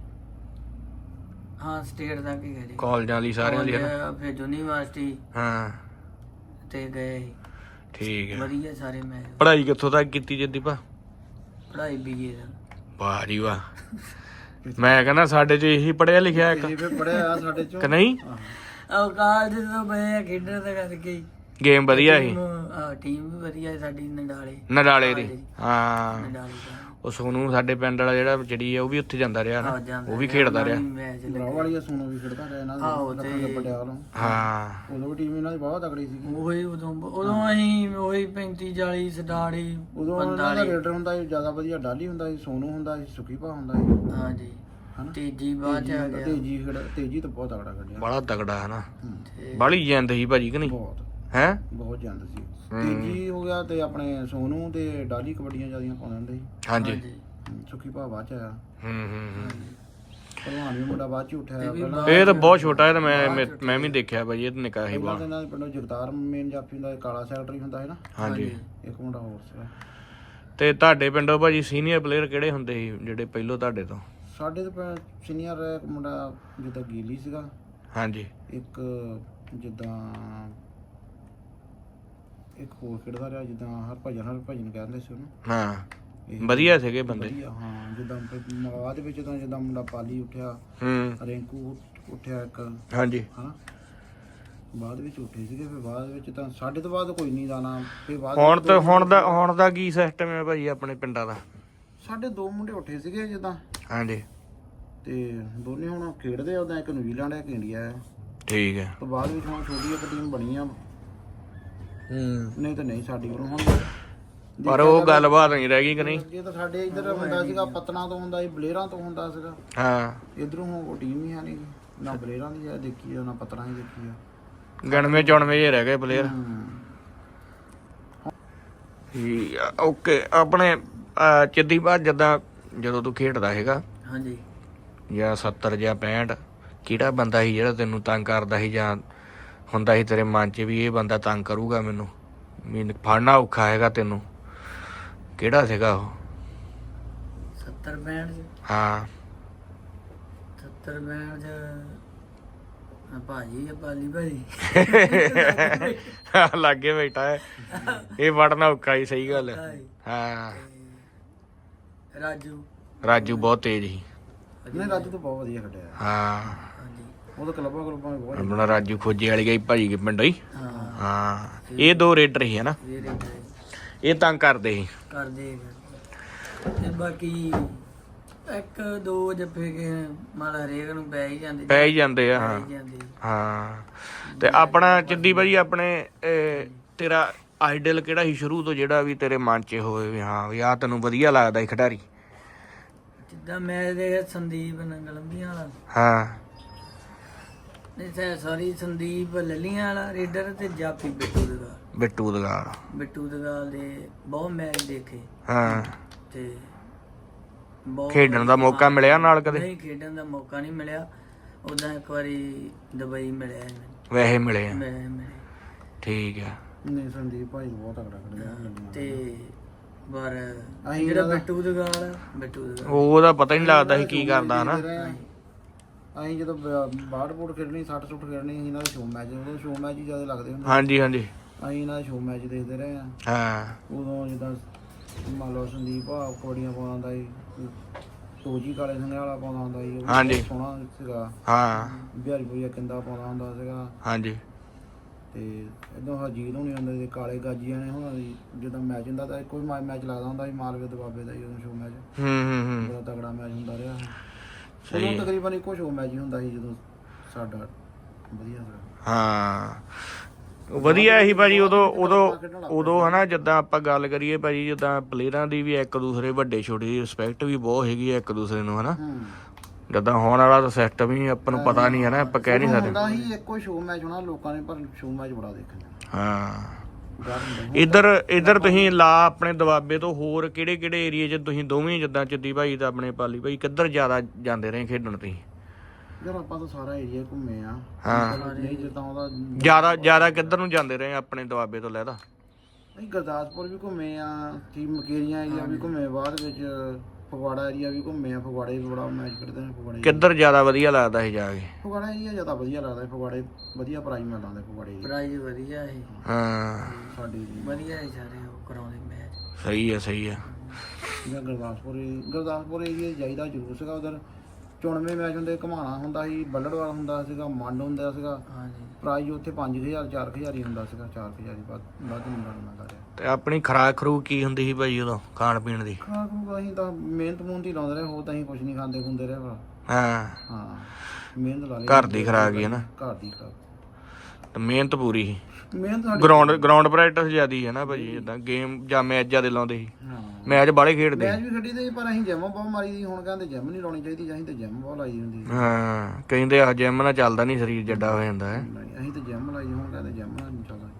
Speaker 3: ਹਾਂ ਸਟੇਟ ਤੱਕ ਹੀ ਗਏ
Speaker 1: ਕਾਲਜਾਂ ਦੀ ਸਾਰਿਆਂ ਦੀ ਹਨਾ?
Speaker 3: ਫਿਰ ਯੂਨੀਵਰਸਿਟੀ
Speaker 1: ਹਾਂ
Speaker 3: ਤੇ ਗਏ।
Speaker 1: ਠੀਕ ਹੈ।
Speaker 3: ਵਧੀਆ ਸਾਰੇ ਮੈਚ।
Speaker 1: ਪੜ੍ਹਾਈ ਕਿੱਥੋਂ ਤੱਕ ਕੀਤੀ ਜੱਦੀਪਾ?
Speaker 3: ਪੜ੍ਹਾਈ BA ਦਾ।
Speaker 1: ਵਾਹ ਜੀ ਵਾਹ। ਮੈਂ ਕਹਿੰਦਾ ਸਾਡੇ ਚ ਇਹੀ ਪੜਿਆ ਲਿਖਿਆ ਇੱਕ
Speaker 2: ਇਹ ਵੀ ਪੜਿਆ ਸਾਡੇ ਚੋਂ
Speaker 1: ਕਿ ਨਹੀਂ?
Speaker 3: ਉਹ ਕਾਲਜ ਤੋਂ ਮੈਂ ਖੇਡਣ ਦਾ ਕਰਕੇ ਹੀ
Speaker 1: ਗੇਮ ਵਧੀਆ ਸੀ।
Speaker 3: ਟੀਮ ਵੀ ਵਧੀਆ ਹੈ ਸਾਡੀ
Speaker 1: ਨਡਾਲੇ ਦੀ ਹਾਂ।
Speaker 3: ਨਡਾਲੇ ਦਾ।
Speaker 1: ਉਹ ਸੋਨੂੰ ਸਾਡੇ ਪਿੰਡ ਵਾਲਾ ਜਿਹੜਾ ਜਿਹੜੀ ਆ ਉਹ ਵੀ ਉੱਥੇ ਜਾਂਦਾ ਰਿਹਾ ਨਾ,
Speaker 3: ਜਾਂਦਾ
Speaker 1: ਉਹ ਵੀ ਖੇਡਦਾ ਰਿਹਾ।
Speaker 3: ਮੈਚ
Speaker 2: ਬਰਾਵ ਵਾਲੀ ਸੋਨੋ ਵੀ ਖੇਡਦਾ ਰਿਹਾ ਇਹਨਾਂ ਦੇ ਪਟਿਆਲਾ।
Speaker 1: ਹਾਂ
Speaker 2: ਉਦੋਂ ਵੀ ਟੀਮ ਇਹਨਾਂ ਦੀ ਬਹੁਤ ਤਕੜੀ ਸੀ।
Speaker 3: ਉਹੀ ਉਦੋਂ ਅਸੀਂ ਉਹੀ 35-40 ਸਟਾੜੀ
Speaker 2: ਉਦੋਂ ਇਹਨਾਂ ਦਾ ਰੇਡਰ ਹੁੰਦਾ ਸੀ ਜ਼ਿਆਦਾ ਵਧੀਆ, ਡਾਲੀ ਹੁੰਦਾ ਸੀ, ਸੋਨੂ ਹੁੰਦਾ ਸੀ, ਸੁਖੀਪਾ ਹੁੰਦਾ ਸੀ।
Speaker 3: ਹਾਂਜੀ ਤੇਜੀ ਬਾਅਦ ਚ ਆ ਗਿਆ।
Speaker 2: ਤੇਜੀ ਤਾਂ ਬਹੁਤ ਤਕੜਾ ਖੇਡਿਆ।
Speaker 1: ਬੜਾ ਤਗੜਾ ਹੈ ਨਾ, ਬਾਲੀ ਜਿੰਦ ਸੀ ਭਾਜੀ ਕਿ ਨਹੀਂ?
Speaker 2: ਬਹੁਤ
Speaker 1: ਹੈ
Speaker 2: ਬਹੁਤ ਜਾਂਦ ਸੀ। ਤੇਜੀ ਹੋ ਗਿਆ ਤੇ ਆਪਣੇ ਸੋਨੂ ਤੇ ਡਾਲੀ ਕਬੱਡੀਆਂ ਜਿਆਦੀਆਂ ਪਾਉਂਦੇ ਹੁੰਦੇ ਸੀ।
Speaker 1: ਹਾਂਜੀ
Speaker 2: ਸੁਖੀਪਾ ਬਾਅਦ ਚ ਆਇਆ।
Speaker 1: ਹੂੰ
Speaker 2: ਭਲਵਾਨ ਵੀ ਮੁੰਡਾ ਬਾਅਦ ਚ ਉੱਠਿਆ ਪਹਿਲਾਂ।
Speaker 1: ਇਹ ਤਾਂ ਬਹੁਤ ਛੋਟਾ ਹੈ ਤੇ ਮੈਂ ਵੀ ਦੇਖਿਆ ਭਾਜੀ, ਇਹ ਤਾਂ ਨਿੱਕਾ ਸੀ ਬਹੁਤ।
Speaker 2: ਇਹਨਾਂ ਦੇ ਪਿੰਡੋਂ ਜਗਤਾਰ ਮੇਨ ਜਾਫੀ ਹੁੰਦਾ, ਕਾਲਾ ਸੈਕਟਰੀ ਹੁੰਦਾ ਹੈ ਨਾ।
Speaker 1: ਹਾਂਜੀ
Speaker 2: ਇੱਕ ਮੁੰਡਾ ਹੋਰ ਸੀ।
Speaker 1: ਤੇ ਤੁਹਾਡੇ ਪਿੰਡੋਂ ਭਾਜੀ ਸੀਨੀਅਰ ਪਲੇਅਰ ਕਿਹੜੇ ਹੁੰਦੇ ਸੀ ਜਿਹੜੇ ਪਹਿਲੋਂ ਤੁਹਾਡੇ ਤੋਂ?
Speaker 2: ਸਾਡੇ ਤੇ ਸੀਨੀਅਰ ਇੱਕ ਮੁੰਡਾ ਜਿੱਦਾਂ ਗੀਲੀ ਸੀਗਾ।
Speaker 1: ਹਾਂਜੀ
Speaker 2: ਇੱਕ ਜਿੱਦਾਂ ਇੱਕ ਹੋਰ ਖੇਡਦਾ ਰਿਹਾ ਜਿੱਦਾਂ ਹਰਭਜਨ ਕਹਿੰਦੇ ਸੀ ਉਹਨੂੰ।
Speaker 1: ਹਾਂ ਵਧੀਆ ਸੀਗੇ ਬੰਦੇ।
Speaker 2: ਹਾਂ ਜਿੱਦਾਂ ਬਾਅਦ ਵਿੱਚ ਤਾਂ ਜਿੱਦਾਂ ਮੁੰਡਾ ਪਾਲੀ ਉੱਠਿਆ, ਰਿੰਕੂ ਉੱਠਿਆ ਇੱਕ।
Speaker 1: ਹਾਂਜੀ
Speaker 2: ਹਾਂ ਬਾਅਦ ਵਿੱਚ ਉੱਠੇ ਸੀਗੇ। ਫਿਰ ਬਾਅਦ ਵਿੱਚ ਤਾਂ ਸਾਡੇ ਤੋਂ ਬਾਅਦ ਕੋਈ ਨਹੀਂ ਜਾਣਾ। ਫਿਰ ਬਾਅਦ
Speaker 1: ਹੁਣ ਦਾ ਕੀ ਸਿਸਟਮ ਹੈ ਭਾਜੀ ਆਪਣੇ ਪਿੰਡਾਂ ਦਾ?
Speaker 2: ਸਾਡੇ 2 ਮੁੰਡੇ ਉੱਠੇ ਸੀਗੇ ਜਿੱਦਾਂ।
Speaker 1: ਹਾਂਜੀ
Speaker 2: ਤੇ ਦੋਨੇ ਹੁਣ ਖੇਡਦੇ ਆ। ਉਹਦਾ ਇੱਕ ਨਿਊਜ਼ੀਲੈਂਡ ਹੈ, ਇੱਕ ਇੰਡੀਆ ਹੈ।
Speaker 1: ਠੀਕ ਹੈ।
Speaker 2: ਤੋਂ ਬਾਅਦ ਵਿੱਚ ਹੁਣ ਛੋਟੀ ਇੱਕ ਟੀਮ ਬਣੀ ਆ। ਨਹੀਂ ਤਾਂ ਨਹੀਂ ਸਾਡੀ ਕੋਲ ਹੁਣ।
Speaker 1: ਪਰ ਉਹ ਗੱਲਬਾਤ ਨਹੀਂ ਰਹਿ ਗਈ ਕਿ ਨਹੀਂ?
Speaker 2: ਜੇ ਤਾਂ ਸਾਡੇ ਇੱਧਰ ਹੁੰਦਾ ਸੀਗਾ ਪਤਨਾ ਤੋਂ ਹੁੰਦਾ ਸੀ, ਬਲੇਰਾਂ ਤੋਂ ਹੁੰਦਾ ਸੀਗਾ।
Speaker 1: ਹਾਂ
Speaker 2: ਇਧਰੋਂ ਉਹ ਟੀਮ ਹੀ ਹੈ ਨਹੀਂ, ਨਾ ਬਲੇਰਾਂ ਦੀ ਦੇਖੀ ਆ ਨਾ ਪਤਨਾ ਹੀ ਦੇਖੀ ਆ।
Speaker 1: ਗਣਵੇਂ ਚੁਣਵੇਂ ਜੇ ਰਹਿ ਗਏ ਪਲੇਅਰ। ਓਕੇ ਆਪਣੇ ਚਿੱਦੀ ਬਾਅਦ ਜਦੋਂ ਤੂੰ ਖੇਡਦਾ ਹੈਗਾ
Speaker 3: ਹਾਂਜੀ
Speaker 1: ਜਾਂ 70 ਜਾਂ 65, ਕਿਹੜਾ ਬੰਦਾ ਸੀ ਜਿਹੜਾ ਤੈਨੂੰ ਤੰਗ ਕਰਦਾ ਸੀ ਜਾਂ ਹੁੰਦਾ ਸੀ ਤੇਰੇ ਮਨ 'ਚ ਵੀ ਇਹ ਬੰਦਾ ਤੰਗ ਕਰੂਗਾ ਮੈਨੂੰ ਫੜਨਾ ਔਖਾ ਹੈਗਾ ਤੈਨੂੰ? ਕਿਹੜਾ ਸੀਗਾ ਉਹ?
Speaker 3: 70-65
Speaker 1: ਹਾਂ
Speaker 3: 70-65 ਭਾਜੀ ਆ ਪਾਲੀ ਭਾਜੀ
Speaker 1: ਲਾਗੇ ਬੈਠਾ ਹੈ ਇਹ ਵੜਨਾ ਔਖਾ ਹੀ ਸਹੀ ਗੱਲ ਹੈ। ਹਾਂ ਰਾਜੂ ਬਹੁਤ ਤੇਜ਼ ਸੀ।
Speaker 2: ਨਹੀਂ ਰਾਜੂ ਤਾਂ ਬਹੁਤ ਵਧੀਆ ਖੇਡਿਆ।
Speaker 1: ਹਾਂ
Speaker 2: ਉਹ ਤਾਂ ਕਲੱਬਾਂ ਵੀ ਬਹੁਤ
Speaker 1: ਆਪਣਾ ਰਾਜੂ ਖੋਜੇ ਵਾਲੀ ਗਈ ਭਾਜੀ ਕੇ ਪਿੰਡੋਂ ਹੀ। ਹਾਂ ਇਹ ਦੋ ਰੇਡਰ ਸੀ ਹਨਾ, ਇਹ ਤੰਗ ਕਰਦੇ ਸੀ
Speaker 3: ਤੇ ਬਾਕੀ ਇੱਕ ਦੋ ਜੱਫੇ ਕੇ ਮਾਲ ਹਰੇਕ ਨੂੰ ਪੈ ਹੀ
Speaker 1: ਜਾਂਦੇ ਆ। ਹਾਂ ਹਾਂ ਤੇ ਆਪਣਾ ਚਿੱਦੀ ਭਾਜੀ ਆਪਣੇ ਤੇਰਾ ਆਈਡਲ ਕਿਹੜਾ ਸੀ ਸ਼ੁਰੂ ਤੋਂ ਜਿਹੜਾ ਵੀ ਤੇਰੇ ਮਨ 'ਚ ਹੋਵੇ ਵੀ ਹਾਂ ਵੀ ਆਹ ਤੈਨੂੰ ਵਧੀਆ ਲੱਗਦਾ ਸੀ ਖਿਡਾਰੀ?
Speaker 3: ਜਿੱਦਾਂ ਮੈਂ ਦੇਖਿਆ ਸੰਦੀਪ ਨੰਗਲੰਬੀਆਂ ਵਾਲਾ।
Speaker 1: ਹਾਂ
Speaker 3: ਨਹੀਂ ਸੌਰੀ ਸੰਦੀਪ ਲੱਲੀਆਂ ਵਾਲਾ ਰੇਡਰ ਤੇ ਜਾਪੀ ਬਿੱਟੂ ਦਗਾਲ ਦੇ ਬਹੁਤ ਮੈਚ ਦੇਖੇ।
Speaker 1: ਹਾਂ
Speaker 3: ਤੇ
Speaker 1: ਖੇਡਣ ਦਾ ਮੌਕਾ ਮਿਲਿਆ ਨਾਲ ਕਦੇ?
Speaker 3: ਨਹੀਂ ਖੇਡਣ ਦਾ ਮੌਕਾ ਨਹੀਂ ਮਿਲਿਆ। ਉਦਾਂ ਇੱਕ ਵਾਰੀ ਦੁਬਈ ਮਿਲਿਆ
Speaker 1: ਵੈਸੇ ਮਿਲੇ ਆ? ਠੀਕ ਆ।
Speaker 2: ਨਹੀਂ ਸੰਦੀਪ ਭਾਈ ਬਹੁਤ ਤਕੜਾ ਖੇਡਿਆ
Speaker 3: ਤੇ ਪਰ ਜਿਹੜਾ ਬਿੱਟੂ ਦਗਾਲ
Speaker 1: ਉਹਦਾ ਪਤਾ ਹੀ ਨਹੀਂ ਲੱਗਦਾ ਸੀ ਕੀ ਕਰਦਾ ਹਨਾ।
Speaker 2: ਅਸੀਂ ਜਦੋਂ ਬਾਹਰ ਬੋਰਡ ਖੇਡਣੀ 60 ਸੁੱਟ ਖੇਡਣੀ ਇਹਨਾਂ ਦੇ ਸ਼ੋਅ ਮੈਚ, ਉਦੋਂ ਸ਼ੋਅ ਮੈਚ ਹੀ ਜ਼ਿਆਦਾ ਲੱਗਦੇ ਹੁੰਦੇ।
Speaker 1: ਹਾਂਜੀ ਹਾਂਜੀ
Speaker 2: ਅਸੀਂ ਇਹਨਾਂ ਦੇ ਸ਼ੋਅ ਮੈਚ ਦੇਖਦੇ ਰਹੇ ਆ।
Speaker 1: ਹਾਂ
Speaker 2: ਉਦੋਂ ਜਿੱਦਾਂ ਮੰਨ ਲਓ ਸੰਦੀਪ ਆ ਕਬੱਡੀਆਂ ਪਾਉਂਦਾ ਹੁੰਦਾ ਸੀ, ਤੋਜੀ ਕਾਲੇ ਸੰਘਿਆ ਵਾਲਾ ਪਾਉਂਦਾ ਹੁੰਦਾ ਸੀ,
Speaker 1: ਹਾਂਜੀ
Speaker 2: ਸੋਹਣਾ ਸੀਗਾ।
Speaker 1: ਹਾਂ
Speaker 2: ਬਿਹਾਰੀ ਭਈਆ ਕਿੰਦਾ ਪਾਉਂਦਾ ਹੁੰਦਾ ਸੀਗਾ।
Speaker 1: ਹਾਂਜੀ
Speaker 2: ਤੇ ਇਦੋਂ ਹਰਜੀਤ ਹੋਣੀ ਹੁੰਦੇ ਸੀ, ਕਾਲੇ ਗਾਜੀਆਂ ਨੇ ਹੁਣ ਜਦੋਂ ਮੈਚ ਹੁੰਦਾ ਤਾਂ ਕੋਈ ਮੈਚ ਲੱਗਦਾ ਹੁੰਦਾ ਸੀ ਮਾਲਵੇ ਦੁਆਬੇ ਦਾ ਜਦੋਂ ਸ਼ੋਅ ਮੈਚ ਬੜਾ ਤਗੜਾ ਮੈਚ ਹੁੰਦਾ ਰਿਹਾ। ਉਦੋਂ ਤਕਰੀਬਨ ਇੱਕੋ ਸ਼ੋਅ ਮੈਚ ਹੀ ਹੁੰਦਾ ਸੀ ਜਦੋਂ ਸਾਡਾ ਵਧੀਆ ਸੀ।
Speaker 1: ਹਾਂ ਵਧੀਆ ਸੀ ਭਾਜੀ ਉਦੋਂ ਹਨਾ। ਜਿੱਦਾਂ ਆਪਾਂ ਗੱਲ ਕਰੀਏ ਭਾਜੀ ਜਿੱਦਾਂ ਪਲੇਅਰਾਂ ਦੀ ਵੀ ਇੱਕ ਦੂਸਰੇ ਵੱਡੇ ਛੋਟੇ ਦੀ ਰਿਸਪੈਕਟ ਵੀ ਬਹੁਤ ਹੈਗੀ ਆ ਇੱਕ ਦੂਸਰੇ ਨੂੰ ਹਨਾ। ਜਿੱਦਾਂ ਹੋਣ ਵਾਲਾ ਤਾਂ ਸਿਸਟਮ ਹੀ ਆਪਾਂ ਨੂੰ ਪਤਾ ਨਹੀਂ ਹਨਾ, ਆਪਾਂ ਕਹਿ ਨਹੀਂ ਸਕਦੇ।
Speaker 2: ਹੁੰਦਾ ਸੀ ਇੱਕੋ ਸ਼ੋਅ ਮੈਚ ਹੋਣਾ ਲੋਕਾਂ ਨੇ, ਪਰ ਸ਼ੋਅ ਮੈਚ ਬੜਾ ਦੇਖਣਾ।
Speaker 1: ਹਾਂ ਇੱਧਰ ਤੁਸੀਂ ਲਾ ਆਪਣੇ ਦੁਆਬੇ ਤੋਂ ਹੋਰ ਕਿਹੜੇ ਏਰੀਏ 'ਚ ਤੁਸੀਂ ਦੋਵੇਂ ਜਿੱਦਾਂ ਚਿੱਦੀ ਭਾਈ ਤੇ ਆਪਣੇ ਪਾਲੀ ਭਾਈ ਕਿੱਧਰ ਜ਼ਿਆਦਾ ਜਾਂਦੇ ਰਹੇ ਖੇਡਣ ਤੁਸੀਂ?
Speaker 2: ਯਾਰ ਆਪਾਂ ਤਾਂ ਸਾਰਾ ਏਰੀਆ ਘੁੰਮੇ ਆ।
Speaker 1: ਹਾਂ
Speaker 2: ਨਹੀਂ ਜਿੱਦਾਂ ਉਹਦਾ
Speaker 1: ਜ਼ਿਆਦਾ ਕਿੱਧਰ ਨੂੰ ਜਾਂਦੇ ਰਹੇ ਆਪਣੇ ਦੁਆਬੇ ਤੋਂ ਲੈਦਾ?
Speaker 2: ਨਹੀਂ ਗੁਰਦਾਸਪੁਰ ਵੀ ਘੁੰਮੇ ਆ, ਮਕੇਰੀਆਂ ਏਰੀਆ ਵੀ ਘੁੰਮੇ, ਬਾਅਦ ਵਿੱਚ ਫਗਵਾੜਾ ਏਰੀਆ ਵੀ ਘੁੰਮੇ ਆ। ਫਗਵਾੜੇ ਵੀ ਬੜਾ ਮੈਚ ਕਰਦੇ ਨੇ। ਫਗਵਾੜੇ
Speaker 1: ਕਿੱਧਰ ਜ਼ਿਆਦਾ ਵਧੀਆ ਲੱਗਦਾ ਸੀ ਜਾ ਕੇ?
Speaker 2: ਫਗਵਾੜਾ ਏਰੀਆ ਜ਼ਿਆਦਾ ਵਧੀਆ ਲੱਗਦਾ। ਫਗਵਾੜੇ ਵਧੀਆ ਪ੍ਰਾਈਜ਼ ਮਿਲਦਾ ਹੁੰਦਾ। ਫਗਵਾੜੇ
Speaker 3: ਪ੍ਰਾਈਜ਼ ਵਧੀਆ ਹੈ।
Speaker 1: ਹਾਂ
Speaker 2: ਸਾਡੇ
Speaker 3: ਵਧੀਆ ਹੈ ਸਾਰੇ ਉਹ ਕਰਾਉਂਦੇ ਮੈਚ।
Speaker 1: ਸਹੀ ਆ।
Speaker 2: ਗੁਰਦਾਸਪੁਰ ਏਰੀਆ ਜਾਈਦਾ ਜ਼ਰੂਰ ਸੀਗਾ। ਉਧਰ ਚੁਣਵੇਂ ਮੈਚ ਹੁੰਦੇ, ਘਮਾਣਾ ਹੁੰਦਾ ਸੀ, ਬੱਲੜਵਾਲ ਹੁੰਦਾ ਸੀਗਾ, ਮੰਡ ਹੁੰਦਾ ਸੀਗਾ। ਪ੍ਰਾਈਜ਼ ਉੱਥੇ 5000 4000 ਹੀ ਹੁੰਦਾ ਸੀਗਾ। 4000 ਹੀ ਵੱਧ ਮਿਲਦਾ ਰਿਹਾ।
Speaker 1: ਤੇ ਆਪਣੀ ਖੁਰਾਕ ਖਰੂਕ ਕੀ ਹੁੰਦੀ ਸੀ ਭਾਈ ਉਦੋਂ ਖਾਣ ਪੀਣ ਦੀ?
Speaker 2: ਖੁਰਾਕ ਅਸੀਂ ਤਾਂ ਮਿਹਨਤ ਹੀ ਲਾਉਂਦੇ ਰਹੇ, ਹੋਰ ਤਾਂ ਅਸੀਂ ਕੁਝ ਨਹੀਂ ਖਾਂਦੇ ਖੁੰਦੇ ਰਹੇ। ਹਾਂ ਮਿਹਨਤ ਲਾ ਲਈ।
Speaker 1: ਘਰ ਦੀ ਖੁਰਾਕ ਹੀ ਹੈ ਨਾ?
Speaker 2: ਘਰ ਦੀ ਖੁਰਾਕ
Speaker 1: ਤੇ ਮਿਹਨਤ ਪੂਰੀ ਸੀ।
Speaker 2: ਮਿਹਨਤ
Speaker 1: ਗਰਾਊਂਡ ਪ੍ਰੈਕਟਿਸ ਜ਼ਿਆਦੀ ਹੈ ਨਾ ਭਾਜੀ, ਜਿੱਦਾਂ ਗੇਮ ਜਾਂ ਮੈਚ ਜ਼ਿਆਦਾ ਲਾਉਂਦੇ ਸੀ? ਮੈਚ ਬਾਹਲੇ ਖੇਡਦੇ?
Speaker 2: ਮੈਚ ਵੀ ਖੇਡੀ ਦੇ, ਪਰ ਅਸੀਂ ਜਿਮ ਬਹੁਤ ਮਾਰੀ ਦੀ। ਹੁਣ ਕਹਿੰਦੇ ਜਿਮ ਨਹੀਂ ਲਾਉਣੀ ਚਾਹੀਦੀ, ਅਸੀਂ ਤਾਂ ਜਿਮ ਬਹੁਤ ਲਾਈ ਹੁੰਦੀ।
Speaker 1: ਹਾਂ ਕਹਿੰਦੇ ਆ ਜਿਮ ਨਾਲ ਚੱਲਦਾ ਨਹੀਂ, ਸਰੀਰ ਜੱਡਾ ਹੋ ਜਾਂਦਾ ਹੈ।
Speaker 2: ਅਸੀਂ ਤਾਂ ਜਿਮ ਲਾਈ, ਹੁਣ ਕਹਿੰਦੇ ਜਿਮ ਨਾਲ ਨਹੀਂ ਚੱਲਦਾ।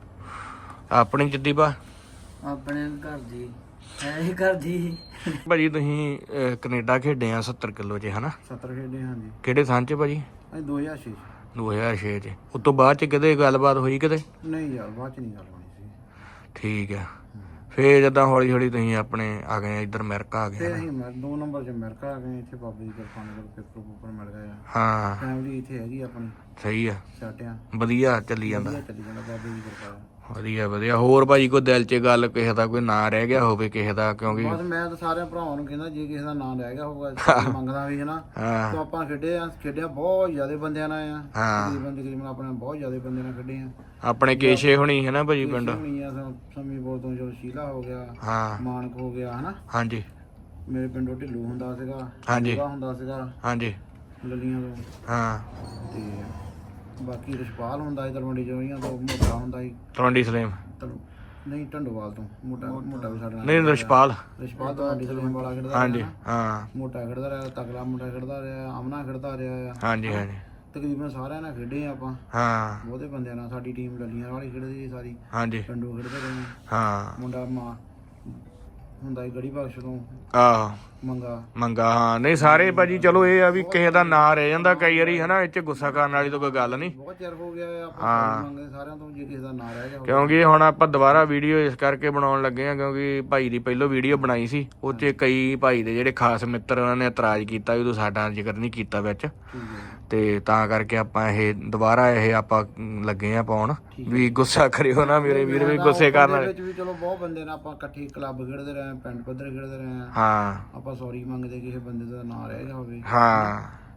Speaker 1: ਆਪਣੀ ਜਿੱਦੀ ਬਾ
Speaker 3: ਆਪਣੇ ਘਰ ਦੀ ਹੈ ਹੀ ਘਰ ਦੀ।
Speaker 1: ਭਾਜੀ ਤੁਸੀਂ ਕੈਨੇਡਾ ਖੇਡੇ ਆ 70 ਕਿਲੋ 'ਚ ਹਨਾ?
Speaker 2: 70 ਖੇਡੇ ਹਾਂਜੀ।
Speaker 1: ਕਿਹੜੇ ਸਾਲ 'ਚ ਭਾਜੀ?
Speaker 2: ਅਸੀਂ 2006
Speaker 1: 2006 'ਚ। ਉਸ ਤੋਂ ਬਾਅਦ 'ਚ ਕਿਤੇ ਗੱਲਬਾਤ ਹੋਈ ਕਿਤੇ?
Speaker 2: ਨਹੀਂ ਯਾਰ ਬਾਅਦ 'ਚ ਨਹੀਂ ਗੱਲ ਹੋਣੀ ਸੀ।
Speaker 1: ਠੀਕ ਆ। ਫੇਰ ਜਿੱਦਾਂ ਹੌਲੀ ਹੌਲੀ ਤੁਸੀਂ ਆਪਣੇ ਆ ਗਏ ਇੱਧਰ ਅਮਰੀਕਾ ਆ ਗਏ?
Speaker 2: ਫਿਰ ਅਸੀਂ 2 ਨੰਬਰ 'ਚ ਅਮਰੀਕਾ ਆ ਗਏ। ਇੱਥੇ ਬਾਬੇ ਦੀ ਕਿਰਪਾ ਨਾਲ ਪੇਪਰ ਮਿਲ ਗਏ ਆ।
Speaker 1: ਹਾਂ
Speaker 2: ਫੈਮਿਲੀ ਇੱਥੇ ਹੈਗੀ ਆਪਣੀ।
Speaker 1: ਸਹੀ ਆ
Speaker 2: ਸਾਟਿਆਂ
Speaker 1: ਵਧੀਆ ਚੱਲੀ ਜਾਂਦਾ
Speaker 2: ਬਾਬੇ ਦੀ ਕਿਰਪਾ।
Speaker 1: ਵਧੀਆ ਹੋਰ ਭਾਜੀ ਕੋਈ ਦਿਲ 'ਚ ਗੱਲ ਕਿਸੇ ਦਾ ਕੋਈ ਨਾਂ ਰਹਿ ਗਿਆ ਹੋਵੇ ਕਿਸੇ ਦਾ? ਕਿਉਂਕਿ
Speaker 2: ਬਸ ਮੈਂ ਤਾਂ ਸਾਰਿਆਂ ਭਰਾਵਾਂ ਨੂੰ ਕਹਿੰਦਾ ਜੇ ਕਿਸੇ ਦਾ ਨਾਂ ਰਹਿ ਗਿਆ ਹੋਊਗਾ ਮੰਗਦਾ ਵੀ ਹਨਾ ਤਾਂ ਆਪਾਂ ਖੇਡਿਆ ਬਹੁਤ ਜ਼ਿਆਦਾ ਬੰਦਿਆਂ ਨਾਲ ਆ। ਤਕਰੀਬਨ ਆਪਣੇ ਬਹੁਤ ਜ਼ਿਆਦਾ ਬੰਦਿਆਂ ਨਾਲ ਖੇਡੇ ਆ।
Speaker 1: ਆਪਣੇ ਕੇਸ਼ੇ ਹੋਣੀ ਹੈ ਨਾ ਭਾਜੀ ਪਿੰਡ?
Speaker 2: ਸਮੀਪੁਰ ਤੋਂ ਚਲੋ ਸ਼ੀਲਾ ਹੋ ਗਿਆ, ਮਾਨਕ ਹੋ ਗਿਆ ਹਨਾ।
Speaker 1: ਹਾਂਜੀ
Speaker 2: ਮੇਰੇ ਪਿੰਡੋਂ ਢਿੱਲੂ ਹੁੰਦਾ ਸੀਗਾ, ਹੁੰਦਾ ਸੀਗਾ
Speaker 1: ਹਾਂਜੀ
Speaker 2: ਲੱਲੀਆਂ ਤੋਂ।
Speaker 1: ਹਾਂ
Speaker 2: ਤੇ ਬਾਕੀ ਰਿਸ਼ਪਾਲ ਹੁੰਦਾ ਸੀ ਤਲਵੰਡੀ ਜੋਈਆਂ ਤੋਂ, ਮੋਟਾ ਹੁੰਦਾ ਸੀ
Speaker 1: ਤਲਵੰਡੀ ਸਲੇਮ
Speaker 2: ਨਹੀਂ ਢੰਡੋਵਾਲ ਤੋਂ। ਮੋਟਾ ਵੀ ਸਾਡੇ ਨਾਲ
Speaker 1: ਨਹੀਂ ਰਿਸ਼ਪਾਲ
Speaker 2: ਤਲਵੰਡੀ ਸਲੇਮ ਵਾਲਾ ਖੇਡਦਾ।
Speaker 1: ਹਾਂਜੀ ਹਾਂ
Speaker 2: ਮੋਟਾ ਖੇਡਦਾ ਰਿਹਾ, ਤਕਲਾ ਮੁੰਡਾ ਖੇਡਦਾ ਰਿਹਾ, ਅਮਨਾ ਖੇਡਦਾ ਰਿਹਾ।
Speaker 1: ਹਾਂਜੀ ਹਾਂਜੀ
Speaker 2: ਤਕਰੀਬਨ ਸਾਰਿਆਂ ਨਾਲ ਖੇਡੇ ਆਪਾਂ।
Speaker 1: ਹਾਂ
Speaker 2: ਬਹੁਤੇ ਬੰਦਿਆਂ ਨਾਲ। ਸਾਡੀ ਟੀਮ ਲੱਲੀਆਂ ਵਾਲੀ ਖੇਡਦੀ ਸੀ ਸਾਰੀ।
Speaker 1: ਹਾਂਜੀ
Speaker 2: ਪਿੰਡੋਂ ਖੇਡਦੇ ਰਹੇ।
Speaker 1: ਹਾਂ
Speaker 2: ਮੁੰਡਾ ਹੁੰਦਾ ਸੀ ਗੜੀ ਬਖਸ਼ ਤੋਂ।
Speaker 1: ਆਹੋ
Speaker 2: ਮੰਗਾ
Speaker 1: ਹਾਂ ਨਹੀਂ ਸਾਰੇ ਭਾਜੀ ਚਲੋ ਇਹ ਆ ਵੀ ਕਿਸੇ ਦਾ ਨਾਂ ਰਹਿ ਜਾਂਦਾ ਕਈ ਵਾਰੀ ਹਨਾ, ਇਹ ਚ ਗੁੱਸਾ ਕਰਨ ਵਾਲੀ ਤਾਂ ਕੋਈ ਗੱਲ ਨਹੀਂ।
Speaker 2: ਬਹੁਤ ਚਿਰ ਹੋ ਗਿਆ ਆਪਾਂ ਮੰਗਦੇ ਸਾਰਿਆਂ ਤੋਂ, ਜੇ ਕਿਸੇ ਦਾ ਨਾਂ ਰਹਿ ਗਿਆ
Speaker 1: ਕਿਉਂਕਿ ਹੁਣ ਆਪਾਂ ਦੁਬਾਰਾ ਵੀਡੀਓ ਇਸ ਕਰਕੇ ਬਣਾਉਣ ਲੱਗੇ ਆ ਕਿਉਂਕਿ ਭਾਈ ਦੀ ਪਹਿਲੋਂ ਵੀਡੀਓ ਬਣਾਈ ਸੀ, ਉਹ 'ਚ ਕਈ ਭਾਈ ਦੇ ਜਿਹੜੇ ਖਾਸ ਮਿੱਤਰ ਉਹਨਾਂ ਨੇ ਇਤਰਾਜ਼ ਕੀਤਾ ਵੀ ਤੂੰ ਸਾਡਾ ਜ਼ਿਕਰ ਨਹੀਂ ਕੀਤਾ ਵਿੱਚ, ਤੇ ਤਾਂ ਕਰਕੇ ਆਪਾਂ ਇਹ ਦੁਬਾਰਾ ਇਹ ਆਪਾਂ ਲੱਗੇ ਆ ਪਾਉਣ ਵੀ ਗੁੱਸਾ ਕਰਿਓ ਨਾ ਮੇਰੇ ਵੀਰ, ਵੀ ਗੁੱਸੇ ਕਰਨ ਵਾਲੇ
Speaker 2: ਵੀ ਚਲੋ ਬਹੁਤ ਬੰਦੇ ਨੇ ਆਪਾਂ ਇਕੱਠੇ ਕਲੱਬ ਖੇਡਦੇ ਰਹੇ, ਪਿੰਡ ਪੱਧਰ ਖੇਡਦੇ ਰਹੇ
Speaker 1: ਹਾਂ,
Speaker 2: ਆਪਾਂ ਸੌਰੀ ਮੰਗਦੇ ਕਿਸੇ ਬੰਦੇ ਦਾ ਨਾਂ ਰਹਿ ਗਿਆ ਹੋਵੇ
Speaker 1: ਹਾਂ।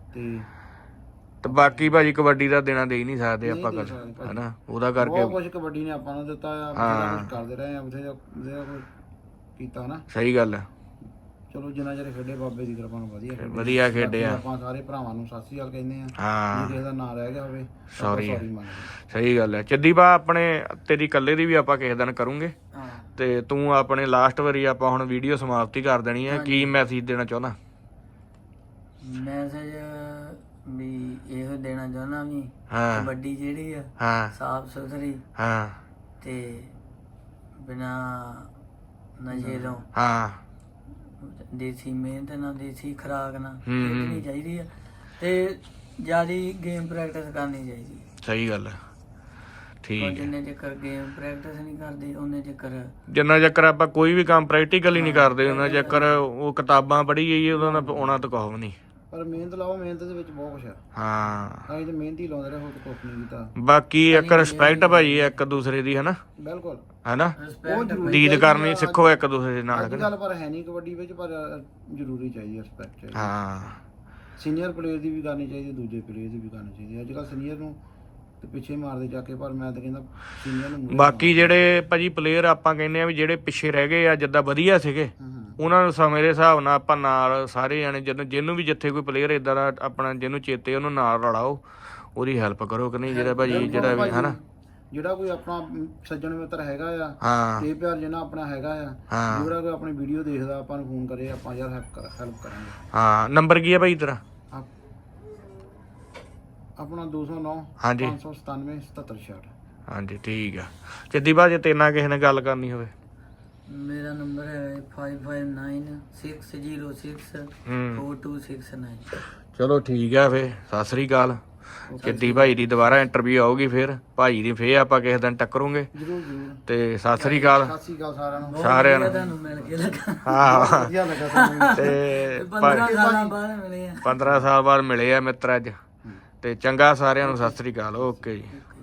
Speaker 2: ਤੇ
Speaker 1: ਬਾਕੀ ਭਾਜੀ ਕਬੱਡੀ ਦਾ ਦੇਣਾ ਦੇ ਹੀ ਨਹੀਂ ਸਕਦੇ ਆਪਾਂ ਕਰ ਹਨਾ, ਉਹਦਾ ਕਰਕੇ
Speaker 2: ਬਹੁਤ ਕੁਝ ਕਬੱਡੀ ਨੇ ਆਪਾਂ ਨੂੰ ਦਿੱਤਾ ਆ, ਬਥੇਰਾ ਕੁਝ ਕਰਦੇ ਰਹੇ ਆ, ਬਥੇਰਾ ਕੁਝ ਕੀਤਾ ਨਾ।
Speaker 1: ਸਹੀ ਗੱਲ ਹੈ।
Speaker 2: ਚਲੋ ਜਿੰਨਾ ਚਿਰ ਖੇਡੇ ਬਾਬੇ ਦੀ ਕਿਰਪਾ ਨਾਲ
Speaker 1: ਵਧੀਆ ਖੇਡੇ ਆ।
Speaker 2: ਆਪਾਂ ਸਾਰੇ ਭਰਾਵਾਂ ਨੂੰ ਸਤਿ ਸ੍ਰੀ ਅਕਾਲ ਕਹਿੰਦੇ ਆ।
Speaker 1: ਹਾਂ
Speaker 2: ਜੇ ਕਿਸੇ ਦਾ ਨਾਂ ਰਹਿ ਗਿਆ ਹੋਵੇ
Speaker 1: ਸੌਰੀ
Speaker 2: ਮੰਗਦੇ।
Speaker 1: ਸਹੀ ਗੱਲ ਹੈ। ਚੱਦੀ ਬਾ ਆਪਣੇ ਤੇਰੀ ਇਕੱਲੇ ਦੀ ਵੀ ਆਪਾਂ ਕਿਸੇ ਦਿਨ ਕਰੂੰਗੇ, ਤੇ ਤੂੰ ਆਪਣੇ ਲਾਸਟ ਵਾਰੀ ਆਪਾਂ ਹੁਣ ਵੀਡੀਓ ਸਮਾਪਤੀ ਕਰ ਦੇਣੀ ਹੈ, ਕੀ ਮੈਸੇਜ ਦੇਣਾ ਚਾਹੁੰਦਾ?
Speaker 3: ਮੈਸੇਜ ਵੀ ਇਹੋ ਦੇਣਾ ਚਾਹੁੰਦਾ ਵੀ
Speaker 1: ਹਾਂ
Speaker 3: ਕਬੱਡੀ ਜਿਹੜੀ ਆ
Speaker 1: ਹਾਂ
Speaker 3: ਸਾਫ ਸੁਥਰੀ
Speaker 1: ਹਾਂ
Speaker 3: ਤੇ ਬਿਨਾ ਨਸ਼ੇ ਤੋਂ
Speaker 1: ਹਾਂ
Speaker 3: ਦੇਸੀ ਮਿਹਨਤ ਨਾਲ ਦੇਸੀ ਖੁਰਾਕ ਨਾਲ ਖੇਡਣੀ ਚਾਹੀਦੀ ਆ, ਤੇ ਜਿਆਦੀ ਗੇਮ ਪ੍ਰੈਕਟਿਸ ਕਰਨੀ ਚਾਹੀਦੀ।
Speaker 1: ਸਹੀ ਗੱਲ ਹੈ। ਠੀਕ ਹੈ।
Speaker 3: ਜਿੰਨੇ ਚੱਕਰ ਗੇਮ ਪ੍ਰੈਕਟਿਸ ਨਹੀਂ ਕਰਦੇ ਉਹਨੇ ਚੱਕਰ
Speaker 1: ਜਿੰਨਾ ਚੱਕਰ ਆਪਾਂ ਕੋਈ ਵੀ ਕੰਮ ਪ੍ਰੈਕਟੀਕਲੀ ਨਹੀਂ ਕਰਦੇ ਉਹਨਾਂ ਚੱਕਰ ਉਹ ਕਿਤਾਬਾਂ ਪੜ੍ਹੀ ਜਾਈਏ ਉਹਦਾ ਆਉਣਾ ਤਾਂ ਕੁਛ ਵੀ ਨਹੀਂ।
Speaker 2: ਪਰ ਮਿਹਨਤ ਲਾਓ, ਮਿਹਨਤ ਦੇ ਵਿੱਚ ਬਹੁਤ ਕੁਛ ਆ।
Speaker 1: ਹਾਂ
Speaker 2: ਅਸੀਂ ਤੇ ਮਿਹਨਤ ਹੀ ਲਾਉਂਦੇ ਰਹੇ, ਹੋਰ ਕੁਛ ਨਹੀਂ ਕੀਤਾ।
Speaker 1: ਬਾਕੀ ਇੱਕ ਰਿਸਪੈਕਟ ਭਾਜੀ ਇੱਕ ਦੂਸਰੇ ਦੀ ਹਨਾ,
Speaker 2: ਬਿਲਕੁਲ
Speaker 1: ਹਨਾ
Speaker 2: ਉਹ ਜ਼ਰੂਰੀ
Speaker 1: ਲੀਡ ਕਰਨੀ ਸਿੱਖੋ ਇੱਕ ਦੂਸਰੇ ਦੇ ਨਾਲ।
Speaker 2: ਅੱਜ ਕੱਲ ਪਰ ਹੈ ਨਹੀਂ ਕਬੱਡੀ ਵਿੱਚ, ਪਰ ਜ਼ਰੂਰੀ ਚਾਹੀਦੀ ਰਿਸਪੈਕਟ ਚਾਹੀਦੀ।
Speaker 1: ਹਾਂ
Speaker 2: ਸੀਨੀਅਰ ਪਲੇਅਰ ਦੀ ਵੀ ਕਰਨੀ ਚਾਹੀਦੀ, ਦੂਜੇ ਪਲੇਅਰ ਦੀ ਵੀ ਕਰਨੀ ਚਾਹੀਦੀ। ਅੱਜ ਕੱਲ ਸੀਨੀਅਰ ਨੂੰ ਤੇ ਪਿੱਛੇ ਮਾਰਦੇ ਜਾ ਕੇ, ਪਰ ਮੈਂ ਤਾਂ ਕਹਿੰਦਾ ਸੀਨੀਅਰ ਨੂੰ।
Speaker 1: ਬਾਕੀ ਜਿਹੜੇ ਭਾਜੀ ਪਲੇਅਰ ਆਪਾਂ ਕਹਿੰਦੇ ਆ ਵੀ ਜਿਹੜੇ ਪਿੱਛੇ ਰਹਿ ਗਏ ਆ ਜਿੱਦਾਂ ਵਧੀਆ ਸੀਗੇ, ਉਹਨਾਂ ਨੂੰ ਸਮੇਂ ਦੇ ਹਿਸਾਬ ਨਾਲ ਆਪਾਂ ਨਾਲ ਸਾਰੇ ਜਾਣੇ ਜਿਹਨੂੰ ਵੀ ਜਿੱਥੇ ਕੋਈ ਪਲੇਅਰ ਇਦਾਂ ਦਾ ਆਪਣਾ ਜਿਹਨੂੰ ਚੇਤੇ ਉਹਨੂੰ ਨਾਲ ਰਲਾਓ, ਉਹਦੀ ਹੈਲਪ ਕਰੋ ਕਿ ਨਹੀਂ, ਜਿਹੜਾ ਭਾਜੀ ਜਿਹੜਾ ਵੀ ਹਨਾ
Speaker 2: ਜਿਹੜਾ ਕੋਈ ਆਪਣਾ ਸੱਜਣ ਮਿੱਤਰ ਹੈਗਾ ਆ,
Speaker 1: ਹਾਂ
Speaker 2: ਤੇ ਪਿਆਰ ਜਿਹਨਾਂ ਆਪਣਾ ਹੈਗਾ ਆ, ਜਿਹੜਾ ਕੋਈ ਆਪਣੀ ਵੀਡੀਓ ਦੇਖਦਾ ਆਪਾਂ ਨੂੰ ਫੋਨ ਕਰੇ, ਆਪਾਂ ਯਾਰ ਹੈਲਪ ਕਰਾਂਗੇ।
Speaker 1: ਹਾਂ ਨੰਬਰ ਕੀ ਹੈ ਭਾਈ ਤੇਰਾ?
Speaker 2: ਆਪਣਾ 209
Speaker 1: ਹਾਂਜੀ
Speaker 2: 597 7766।
Speaker 1: ਹਾਂਜੀ ਠੀਕ ਆ। ਚੱਦੀ ਬਾ ਜੇ ਤੇਰੇ ਨਾਲ ਕਿਸੇ ਨੇ ਗੱਲ ਕਰਨੀ ਹੋਵੇ?
Speaker 3: ਮੇਰਾ ਨੰਬਰ ਹੈ 5596064269।
Speaker 1: ਚਲੋ ਠੀਕ ਆ ਫੇ, ਸਤਿ ਸ੍ਰੀ ਅਕਾਲ। ਚੱਦੀ ਭਾਈ ਦੀ ਦੁਬਾਰਾ ਇੰਟਰਵਿਊ ਆਊਗੀ, ਫਿਰ ਭਾਈ ਦੀ ਫੇਰ ਆਪਾਂ ਕਿਸੇ ਦਿਨ ਟੱਕਰੂਗੇ।
Speaker 2: ਜਰੂਰ ਜਰੂਰ।
Speaker 1: ਤੇ ਸਤਿ ਸ੍ਰੀ ਅਕਾਲ।
Speaker 2: ਸਤਿ ਸ੍ਰੀ ਅਕਾਲ ਸਾਰਿਆਂ ਨੂੰ।
Speaker 1: ਸਾਰਿਆਂ ਨੂੰ
Speaker 3: ਤੁਹਾਨੂੰ ਮਿਲ ਕੇ ਲੱਗਾ।
Speaker 1: ਹਾਂ
Speaker 2: ਵਧੀਆ ਲੱਗਾ ਸਾਨੂੰ।
Speaker 1: ਤੇ
Speaker 3: 15 ਸਾਲਾਂ ਬਾਅਦ ਮਿਲੇ ਆ।
Speaker 1: 15 ਸਾਲ ਬਾਅਦ ਮਿਲੇ ਆ ਮਿੱਤਰ ਅੱਜ, ਤੇ ਚੰਗਾ ਸਾਰਿਆਂ ਨੂੰ ਸਤਿ ਸ੍ਰੀ ਅਕਾਲ। ਓਕੇ ਜੀ।